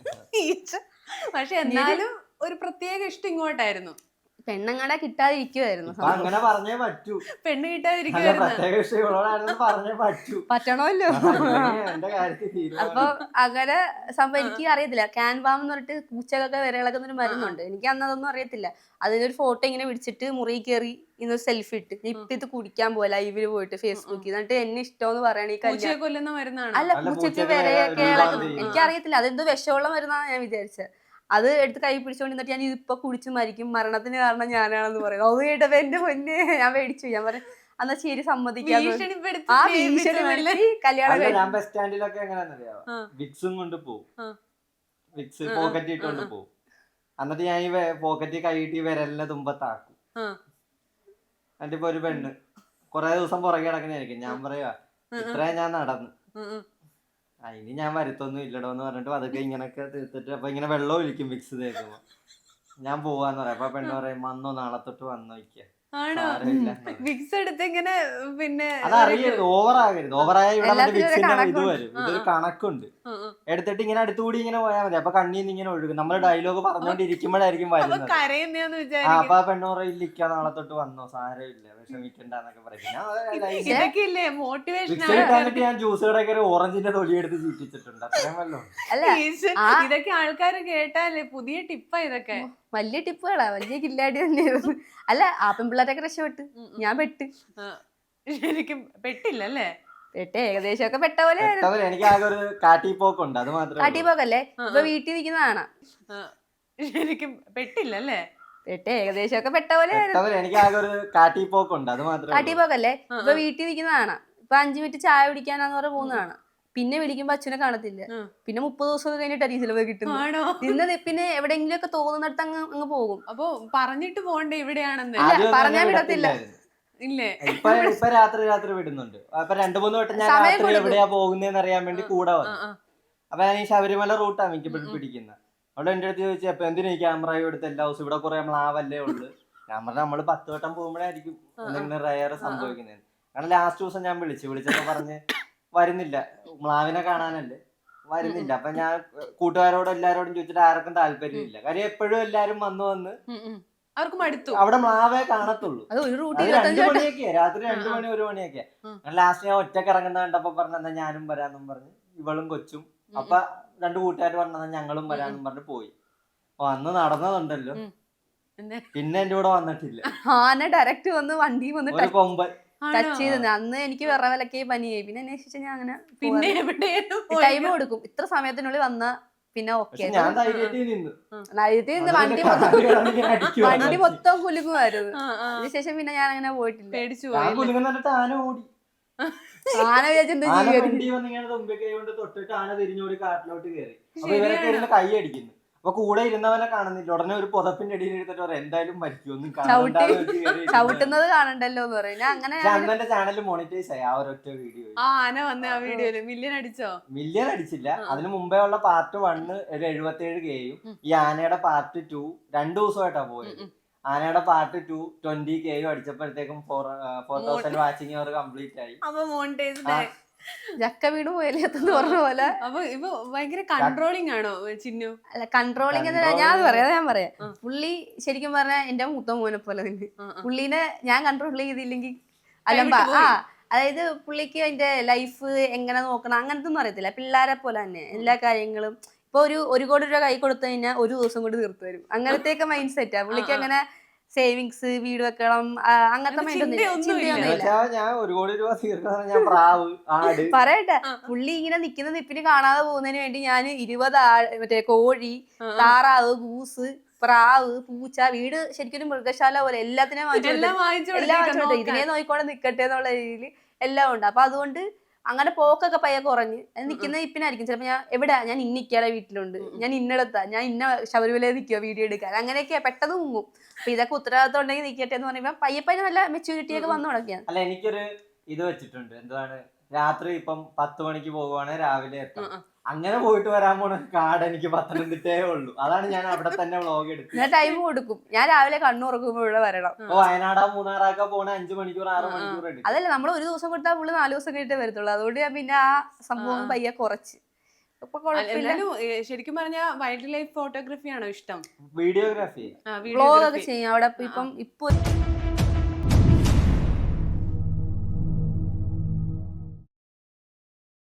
S1: ഈച്ച. പക്ഷെ എന്നാലും ഒരു പ്രത്യേക ഇഷ്ടം ഇങ്ങോട്ടായിരുന്നു.
S4: പെണ്ണങ്ങടെ കിട്ടാതിരിക്കുവായിരുന്നു.
S2: ഇപ്പൊ അങ്ങനെ പറഞ്ഞേ പറ്റൂ.
S1: പെണ്ണ്
S2: അല്ല
S1: കിട്ടാതിരിക്കുവായിരുന്നു.
S2: പ്രത്യേക വിഷയങ്ങളോടാണെന്ന് പറഞ്ഞേ പറ്റൂ.
S4: പറ്റണമല്ലോ.
S2: അല്ലെങ്കിൽ എന്റെ കാര്യത്തിൽ തീരുമാനം.
S4: അപ്പൊ അങ്ങനെ സംഭവം എനിക്ക് അറിയത്തില്ല. ക്യാൻവാം എന്ന് പറഞ്ഞിട്ട് പൂച്ചകളൊക്കെ വിരകളൊക്കെ ഒരു മരുന്നുണ്ട്. എനിക്ക് അന്ന് അതൊന്നും അറിയത്തില്ല. അതിനൊരു ഫോട്ടോ ഇങ്ങനെ പിടിച്ചിട്ട് മുറി കയറി ഇന്നൊരു സെൽഫി ഇട്ട് ഇപ്പൊ ഇത് കുടിക്കാൻ പോലെ ലൈവില് പോയിട്ട് ഫേസ്ബുക്കിൽ എന്നിട്ട് എന്നെ ഇഷ്ടമെന്ന് പറയണ ഈ
S1: പൂച്ചയെ
S4: കല്യാണം.
S1: കൊല്ലുന്ന മരുന്നാണ്.
S4: അല്ല
S2: അല്ല,
S4: പൂച്ചക്ക്
S2: പൂച്ചക്ക്
S4: വിരയൊക്കെ
S2: വിര
S4: ഇളകുന്നു.
S2: ഒരുപാട്
S4: എനിക്കറിയത്തില്ല അതെന്തോ വിഷമുള്ള മരുന്നാണ് ഞാൻ വിചാരിച്ചത്. അത് എടുത്ത് കൈ പിടിച്ചോണ്ടിട്ട് ഞാൻ ഇതിപ്പൊ കുടിച്ച് മരിക്കും, മരണത്തിന് കാരണം ഞാനാണെന്ന് പറയും. അത് കേട്ടപ്പോ എന്റെ പൊന്നെ ഞാൻ മേടിച്ചു. ഞാൻ പറയും എന്നാ ശരി സമ്മതിക്കാന്ന്.
S1: ഭീഷണിപ്പെടുത്തി
S4: ആ
S1: സ്നേഹിപ്പിച്ചു
S4: ഭീഷണി
S1: അല്ലേ?
S4: മേടിച്ച് കല്യാണം
S2: അല്ല,
S4: കഴിച്ചു.
S2: ഞാൻ ബസ് സ്റ്റാൻഡിലൊക്കെ എങ്ങനെയാണെന്നറിയാവോ,
S1: ആ.
S2: വിക്സും കൊണ്ട് പോവും.
S1: ആ.
S2: വിക്സ് പോക്കറ്റ് ഇട്ടുകൊണ്ട് പോവും. എന്നിട്ട് ഞാൻ ഈ പോക്കറ്റിൽ കൈയിട്ട് ഈ വിരലിനെ തുമ്പത്താക്കും.
S1: ആ.
S2: എന്നിട്ട് ഇപ്പൊ ഒരു പെണ്ണ് കൊറേ ദിവസം പുറകെ കിടക്കണായിരിക്കും. ഞാൻ പറയാ ഇത്രയും ഞാൻ നടന്നു,
S1: ഉം ഉം.
S2: അതിന് ഞാൻ വരുത്തൊന്നും ഇല്ലടോ എന്ന് പറഞ്ഞിട്ട് അതൊക്കെ ഇങ്ങനൊക്കെ തീർത്തിട്ട് അപ്പൊ ഇങ്ങനെ വെള്ളം ഒഴിക്കും വിക്സ് തേക്കുമ്പോ. ഞാൻ പോവാന്ന് പറയാം. അപ്പൊ പെണ്ണ് പറയും വന്നോ, നാളെ തൊട്ട് വന്നോ ഇരിക്കുക.
S1: ആണോ? വിക്സ് എടുത്ത് ഇങ്ങനെ പിന്നെ
S2: അതറിയരുത്, ഓവർ ആകരുത്. ഓവറായ ഇവിടെ മറ്റേ
S4: എല്ലാത്തിനും ഒരു
S2: വിക്സിന്റെ ഇത്
S4: കണക്കുണ്ട്.
S2: വരും. ഇതൊരു കണക്കുണ്ട്.
S1: ഉം ഉം.
S2: എടുത്തിട്ട് ഇങ്ങനെ അടുത്തുകൂടി ഇങ്ങനെ പോയാൽ മതി. അപ്പൊ കണ്ണീന്ന് ഇങ്ങനെ ഒഴുകും. നമ്മള് ഡയലോഗ് പറഞ്ഞോണ്ടിരിക്കുമ്പോഴായിരിക്കും
S1: അപ്പൊ
S2: വരുന്നത്.
S1: കരയുന്നേന്ന്
S2: ആ
S1: വിചാരിക്കും.
S2: അപ്പൊ ആ പെണ്ണ് പറയും ഇരിക്കുക, നാളെ തൊട്ട് വന്നോ, സാരമില്ല, വിഷമിക്കണ്ടെന്നൊക്കെ പറയും. ഞാൻ
S1: ഇതൊക്കെ ഇല്ലേ മോട്ടിവേഷൻ
S2: വിക്സ് കിട്ടാനിട്ട് ഞാൻ ജ്യൂസ് കടയൊക്കെ ഓറഞ്ചിന്റെ തൊലി എടുത്ത് ചീറ്റിച്ചിട്ടുണ്ട്. അത്രയും വല്ലോ.
S4: അല്ല ആ.
S1: ഇതൊക്കെ ആൾക്കാര് കേട്ടാലേ പുതിയ ടിപ്പാ ഇതൊക്കെ.
S4: വലിയ ടിപ്പുകളാ, വലിയ കില്ലാടി തന്നെയായിരുന്നു. അല്ല ആ പെൺപിള്ളേരൊക്കെ രക്ഷപ്പെട്ട്, ഞാൻ പെട്ട്.
S1: ആ, ശരിക്കും പെട്ടില്ല അല്ലേ?
S4: പെട്ട് ഏകദേശം ഒക്കെ പെട്ട പോലെ ആയിരുന്നു.
S2: പെട്ടവര് എനിക്ക് ആകെ ഒരു കാട്ടിപ്പോക്കുണ്ട്, അത് മാത്രമേ
S4: കാട്ടി
S2: ഉള്ളൂ.
S4: പോക്കല്ലേ ഇപ്പൊ വീട്ടിൽ നിൽക്കുന്നതാണ്.
S1: ആ, ശരിക്കും പെട്ടില്ല അല്ലേ?
S4: പെട്ട് ഏകദേശം ഒക്കെ പെട്ട പോലെ ആയിരുന്നു.
S2: പെട്ടവര് എനിക്ക് ആകെ ഒരു കാട്ടിപ്പോക്കുണ്ട്, അത് മാത്രമേ
S4: കാട്ടി
S2: ഉള്ളൂ.
S4: പോക്കല്ലേ ഇപ്പൊ വീട്ടിൽ നിൽക്കുന്നതാണ്. ഇപ്പൊ അഞ്ചു മിനിറ്റ് ചായ കുടിക്കാനാന്ന് പറഞ്ഞ പോകുന്നതാണ്. പിന്നെ വിളിക്കുമ്പോ അച്ഛനെ കാണത്തില്ല.
S1: ഉം.
S4: പിന്നെ മുപ്പത് ദിവസം കഴിഞ്ഞിട്ടായിരിക്കും ചിലവ് കിട്ടുന്നത്.
S1: ആണോ?
S4: നിന്ന് പിന്നെ എവിടെയെങ്കിലും ഒക്കെ തോന്നുന്നിടത്ത് അങ്ങ് അങ്ങ് പോകും.
S1: അപ്പൊ പറഞ്ഞിട്ട് പോണ്ടേ ഇവിടെയാണെന്ന്?
S4: ഇല്ല,
S2: ആദ്യമൊന്നും
S4: പറഞ്ഞാ
S2: എന്നെ
S4: വിടത്തില്ല.
S2: വിടത്തില്ലായിരുന്നു.
S1: ഇല്ലേ?
S2: ഇപ്പൊ ഇപ്പൊ രാത്രി രാത്രി വിടുന്നുണ്ട്. അപ്പൊ രണ്ടു മൂന്ന് വട്ടം ഞാൻ
S4: സമയം
S2: രാത്രി
S4: കൊടുക്കും.
S2: എവിടെയാ പോകുന്നതെന്ന് അറിയാൻ വേണ്ടി കൂടെ
S1: ആ,
S2: വന്നു.
S1: ആ.
S2: അപ്പൊ ഞാൻ ഈ ശബരിമല റൂട്ടാണ് എനിക്ക് പിടിക്കുന്നത്. അവിടെ എന്റെ അടുത്ത് ചോദിച്ചു അപ്പൊ എന്തിനാ ഈ ക്യാമറ എടുത്ത് എല്ലാ ദിവസവും ഇവിടെ കുറെ മ്ലാവല്ലേ ഉള്ളു. ഞാൻ പറഞ്ഞ നമ്മള് പത്ത് വട്ടം പോകുമ്പോഴായിരിക്കും എന്തെങ്കിലും റയർ സംഭവിക്കുന്നത്. കാരണം ലാസ്റ്റ് ദിവസം ഞാൻ വിളിച്ചു വിളിച്ചപ്പോ പറഞ്ഞ് വരുന്നില്ല, മ്ലാവിനെ കാണാനല്ലേ വരുന്നില്ല. അപ്പൊ ഞാൻ കൂട്ടുകാരോടും എല്ലാരോടും ചോദിച്ചിട്ട് ആർക്കും താല്പര്യമില്ല. കാര്യം എപ്പോഴും എല്ലാരും വന്ന് വന്ന്
S1: ഉം, ഉം. അവർക്ക് മടുത്തു.
S2: അവിടെ മ്ലാവേ കാണത്തുള്ളൂ.
S4: അത് ഒരു റൂട്ട്
S2: അത്
S4: ഇരുപത്തഞ്ച്
S2: രണ്ടു
S4: വട്ടം.
S2: മണിയൊക്കെയാ, രാത്രി രണ്ടു മണി ഒരു മണിയൊക്കെയാ.
S1: ഉം.
S2: ലാസ്റ്റ് ഞാൻ ഒറ്റക്ക് ഇറങ്ങുന്ന കണ്ടപ്പോ പറഞ്ഞ ഞാനും വരാന്നും പറഞ്ഞ് ഇവളും കൊച്ചും. അപ്പൊ രണ്ടു കൂട്ടുകാർ പറഞ്ഞ ഞങ്ങളും വരാന്നും പറഞ്ഞ് പോയി. അപ്പൊ അന്ന് നടന്നതുണ്ടല്ലോ,
S1: ഉം. എന്തേ?
S2: പിന്നെ എന്റെ കൂടെ വന്നിട്ടില്ല.
S4: ആന ഡയറക്റ്റ് വന്ന് വണ്ടി വന്ന്
S2: ഒരു കൊമ്പൻ
S4: ടച്ച് ചെയ്ത്. അന്ന് എനിക്ക് വിറവലക്കെ പനിയായി. പിന്നെ അന്വേഷിച്ച ഞാൻ അങ്ങനെ
S1: പിന്നെ എവിടെയാണ്
S4: ടൈം കൊടുക്കും. ഇത്ര സമയത്തിനുള്ളിൽ വന്ന പിന്നെ ഓക്കെ.
S2: പക്ഷെ ഞാൻ ധൈര്യത്തിൽ നിന്ന്
S4: നയത്തിൽ നിന്ന് വണ്ടി
S2: അതുകൊണ്ട്
S4: മൊത്തം
S2: കാല് കിടന്നിങ്ങനെ അടിക്കുവാ.
S4: വണ്ടി മൊത്തം കുലുങ്ങുമായിരുന്നു.
S1: ആ, ആ.
S4: അതിനുശേഷം പിന്നെ ഞാൻ അങ്ങനെ പോയിട്ടില്ല.
S1: പേടിച്ചു
S2: ഞാൻ
S1: പോയി.
S2: കുലുങ്ങുന്ന കണ്ടിട്ട് ആന ഓടി.
S4: ആന വിചാരിച്ചെന്താ
S2: ആന
S4: ചെയ്യാൻ?
S2: ഫ്രണ്ടി വന്ന് ഇങ്ങനെ തുമ്പി കൈ കൊണ്ട് തൊട്ടിട്ട് ആന തിരിഞ്ഞോടി കാട്ടിലോട്ട് കയറി. അപ്പൊ ഇവരൊക്കെ ഇരുന്ന് കൈ അടിക്കുന്നു. അപ്പൊ കൂടെ ഇരുന്നവനെ കാണുന്നില്ല. ഉടനെ ഒരു പുതപ്പിന്റെ അടിയിൽ എടുത്തിട്ട് പറയാം എന്തായാലും മരിക്കും, ഒന്നും കാണണ്ടാന്ന് വെച്ച് കയറി ഇരുന്നു.
S4: ചവിട്ടുന്നത് കാണണ്ടല്ലോ എന്ന് പറയും. ഞാൻ അങ്ങനെ
S2: പക്ഷെ അന്ന് എന്റെ ചാനൽ മോണിറ്റൈസ് ആയി ആ ഒരൊറ്റ വീഡിയോ.
S1: ആ ആന വന്ന ആ വീഡിയോയില് മില്യൺ അടിച്ചോ?
S2: മില്യൺ അടിച്ചില്ല. അതിന് മുമ്പേ ഉള്ള പാർട്ട് വണ്ണ് ഒരു എഴുപത്തേഴ് കെയും ഈ ആനയുടെ പാർട്ട് ടു രണ്ടു ദിവസമായിട്ടാ പോയത്. ആനയുടെ പാർട്ട് ടു ട്വന്റി കെയും അടിച്ചപ്പോഴത്തേക്കും four four thousand watching hour complete ആയി.
S1: അപ്പൊ മോണിറ്റൈസ്ഡ് ആയി.
S4: ജക്ക വീട് പോയാലെന്ന് പറഞ്ഞ പോലെ.
S1: അപ്പൊ ഇപ്പൊ ഭയങ്കര കൺട്രോളിങ് ആണോ ചിന്നു?
S4: അല്ല കൺട്രോളിങ് എന്നല്ല ഞാൻ അത് പറയാം ഞാൻ പറയാം. പുള്ളി ശരിക്കും പറഞ്ഞാൽ എന്റെ മൂത്ത മോനെ പോലെ തന്നെ. പുള്ളീനെ ഞാൻ കൺട്രോൾ ചെയ്തില്ലെങ്കിൽ അലമ്പ. ആ അതായത് പുള്ളിക്ക് അതിന്റെ ലൈഫ് എങ്ങനെ നോക്കണം അങ്ങനത്തെ ഒന്നും അറിയത്തില്ല. പിള്ളേരെ പോലെ തന്നെ എല്ലാ കാര്യങ്ങളും. ഇപ്പൊ ഒരു ഒരു കോടി രൂപ കൈ കൊടുത്തു കഴിഞ്ഞാൽ ഒരു ദിവസം കൊണ്ട് തീർത്തു തരും. അങ്ങനത്തെ മൈൻഡ് സെറ്റാ പുള്ളിക്ക്. അങ്ങനെ സേവിങ്സ് വീട് വെക്കണം അങ്ങനത്തെ മൈൻഡ് ഒന്നും ചിന്തയൊന്നുമില്ല.
S2: ഞാൻ ഒരു കോടി രൂപ തീർക്കുന്ന ഞാൻ പ്രാവ് ആട്
S4: പറയട്ടെ, പുള്ളി ഇങ്ങനെ നിക്കുന്ന നിപ്പിന് കാണാതെ പോകുന്നതിന് വേണ്ടി ഞാൻ ഇരുപത് ആ മറ്റേ കോഴി, താറാവ്, ഗൂസ്, പ്രാവ്, പൂച്ച, വീട് ശരിക്കും ഒരു മൃഗശാല പോലെ എല്ലാത്തിനെയും വാങ്ങിച്ചു
S1: എല്ലാം വാങ്ങിച്ചു
S4: എല്ലാം വാങ്ങിച്ചോട്ടെ. ഇതിനെ നോക്കിക്കൊണ്ട് നിക്കട്ടെ എന്നുള്ള രീതിയിൽ എല്ലാം ഉണ്ട്. അപ്പൊ അതുകൊണ്ട് അങ്ങനെ പോക്കൊക്കെ പയ്യെ കുറഞ്ഞ് നിക്കുന്ന ഇപ്പിനായിരിക്കും. ചിലപ്പോ ഞാൻ എവിടെ ഞാൻ ഇന്നിക്കാടെ വീട്ടിലുണ്ട്, ഞാൻ ഇന്നടത്താ, ഞാൻ ഇന്ന ശബരിമലയിൽ നിൽക്കുക വീഡിയോ എടുക്കാൻ, അങ്ങനെയൊക്കെയാ പെട്ടെന്ന് മുങ്ങും. അപ്പൊ ഇതൊക്കെ ഉത്തരവാദിത്വം ഉണ്ടെങ്കിൽ നിൽക്കട്ടെ എന്ന് പറയുമ്പോ പയ്യെ പയ്യെ നല്ല മെച്യൂരിറ്റി ഒക്കെ വന്നു തുടങ്ങിയാണ്.
S2: അല്ല എനിക്കൊരു ഇത് വെച്ചിട്ടുണ്ട്. എന്താണ്, രാത്രി ഇപ്പം പത്ത് മണിക്ക് പോകുവാണെങ്കിൽ രാവിലെ എത്താം. അങ്ങനെ പോയിട്ട് വരാൻ പോണ കാട് എനിക്ക് പത്തനംതിട്ടേ ഉള്ളൂ. അതാണ് ഞാൻ അവിടെ തന്നെ വ്ളോഗ് എടുത്തത്.
S4: ഞാൻ ടൈം കൊടുക്കും. ഞാൻ രാവിലെ കണ്ണുറക്കുമ്പോ ഇവിടെ വരണം.
S2: അപ്പൊ വയനാടാ മൂന്നാറാക്കാ പോണ അഞ്ചു മണിക്കൂർ ആറ് മണിക്കൂർ എടുക്കും.
S4: അതല്ല നമ്മൾ ഒരു ദിവസം കൊടുത്താൽ പുള്ളി നാല് ദിവസം കഴിഞ്ഞിട്ടേ വരത്തുള്ളൂ. അതുകൊണ്ട് ഞാൻ പിന്നെ ആ സംഭവം പയ്യെ കുറച്ച് ഇപ്പൊ കുഴപ്പമില്ല.
S1: എന്നാലും ഏ, ശരിക്കും പറഞ്ഞ വൈൽഡ് ലൈഫ് ഫോട്ടോഗ്രാഫി ആണോ ഇഷ്ടം?
S2: വീഡിയോഗ്രാഫി
S1: ആ,
S4: വ്ളോഗ് ഒക്കെ
S1: വീഡിയോഗ്രാഫി.
S4: ചെയ്യും അവിടെ. ഇപ്പം ഇപ്പൊ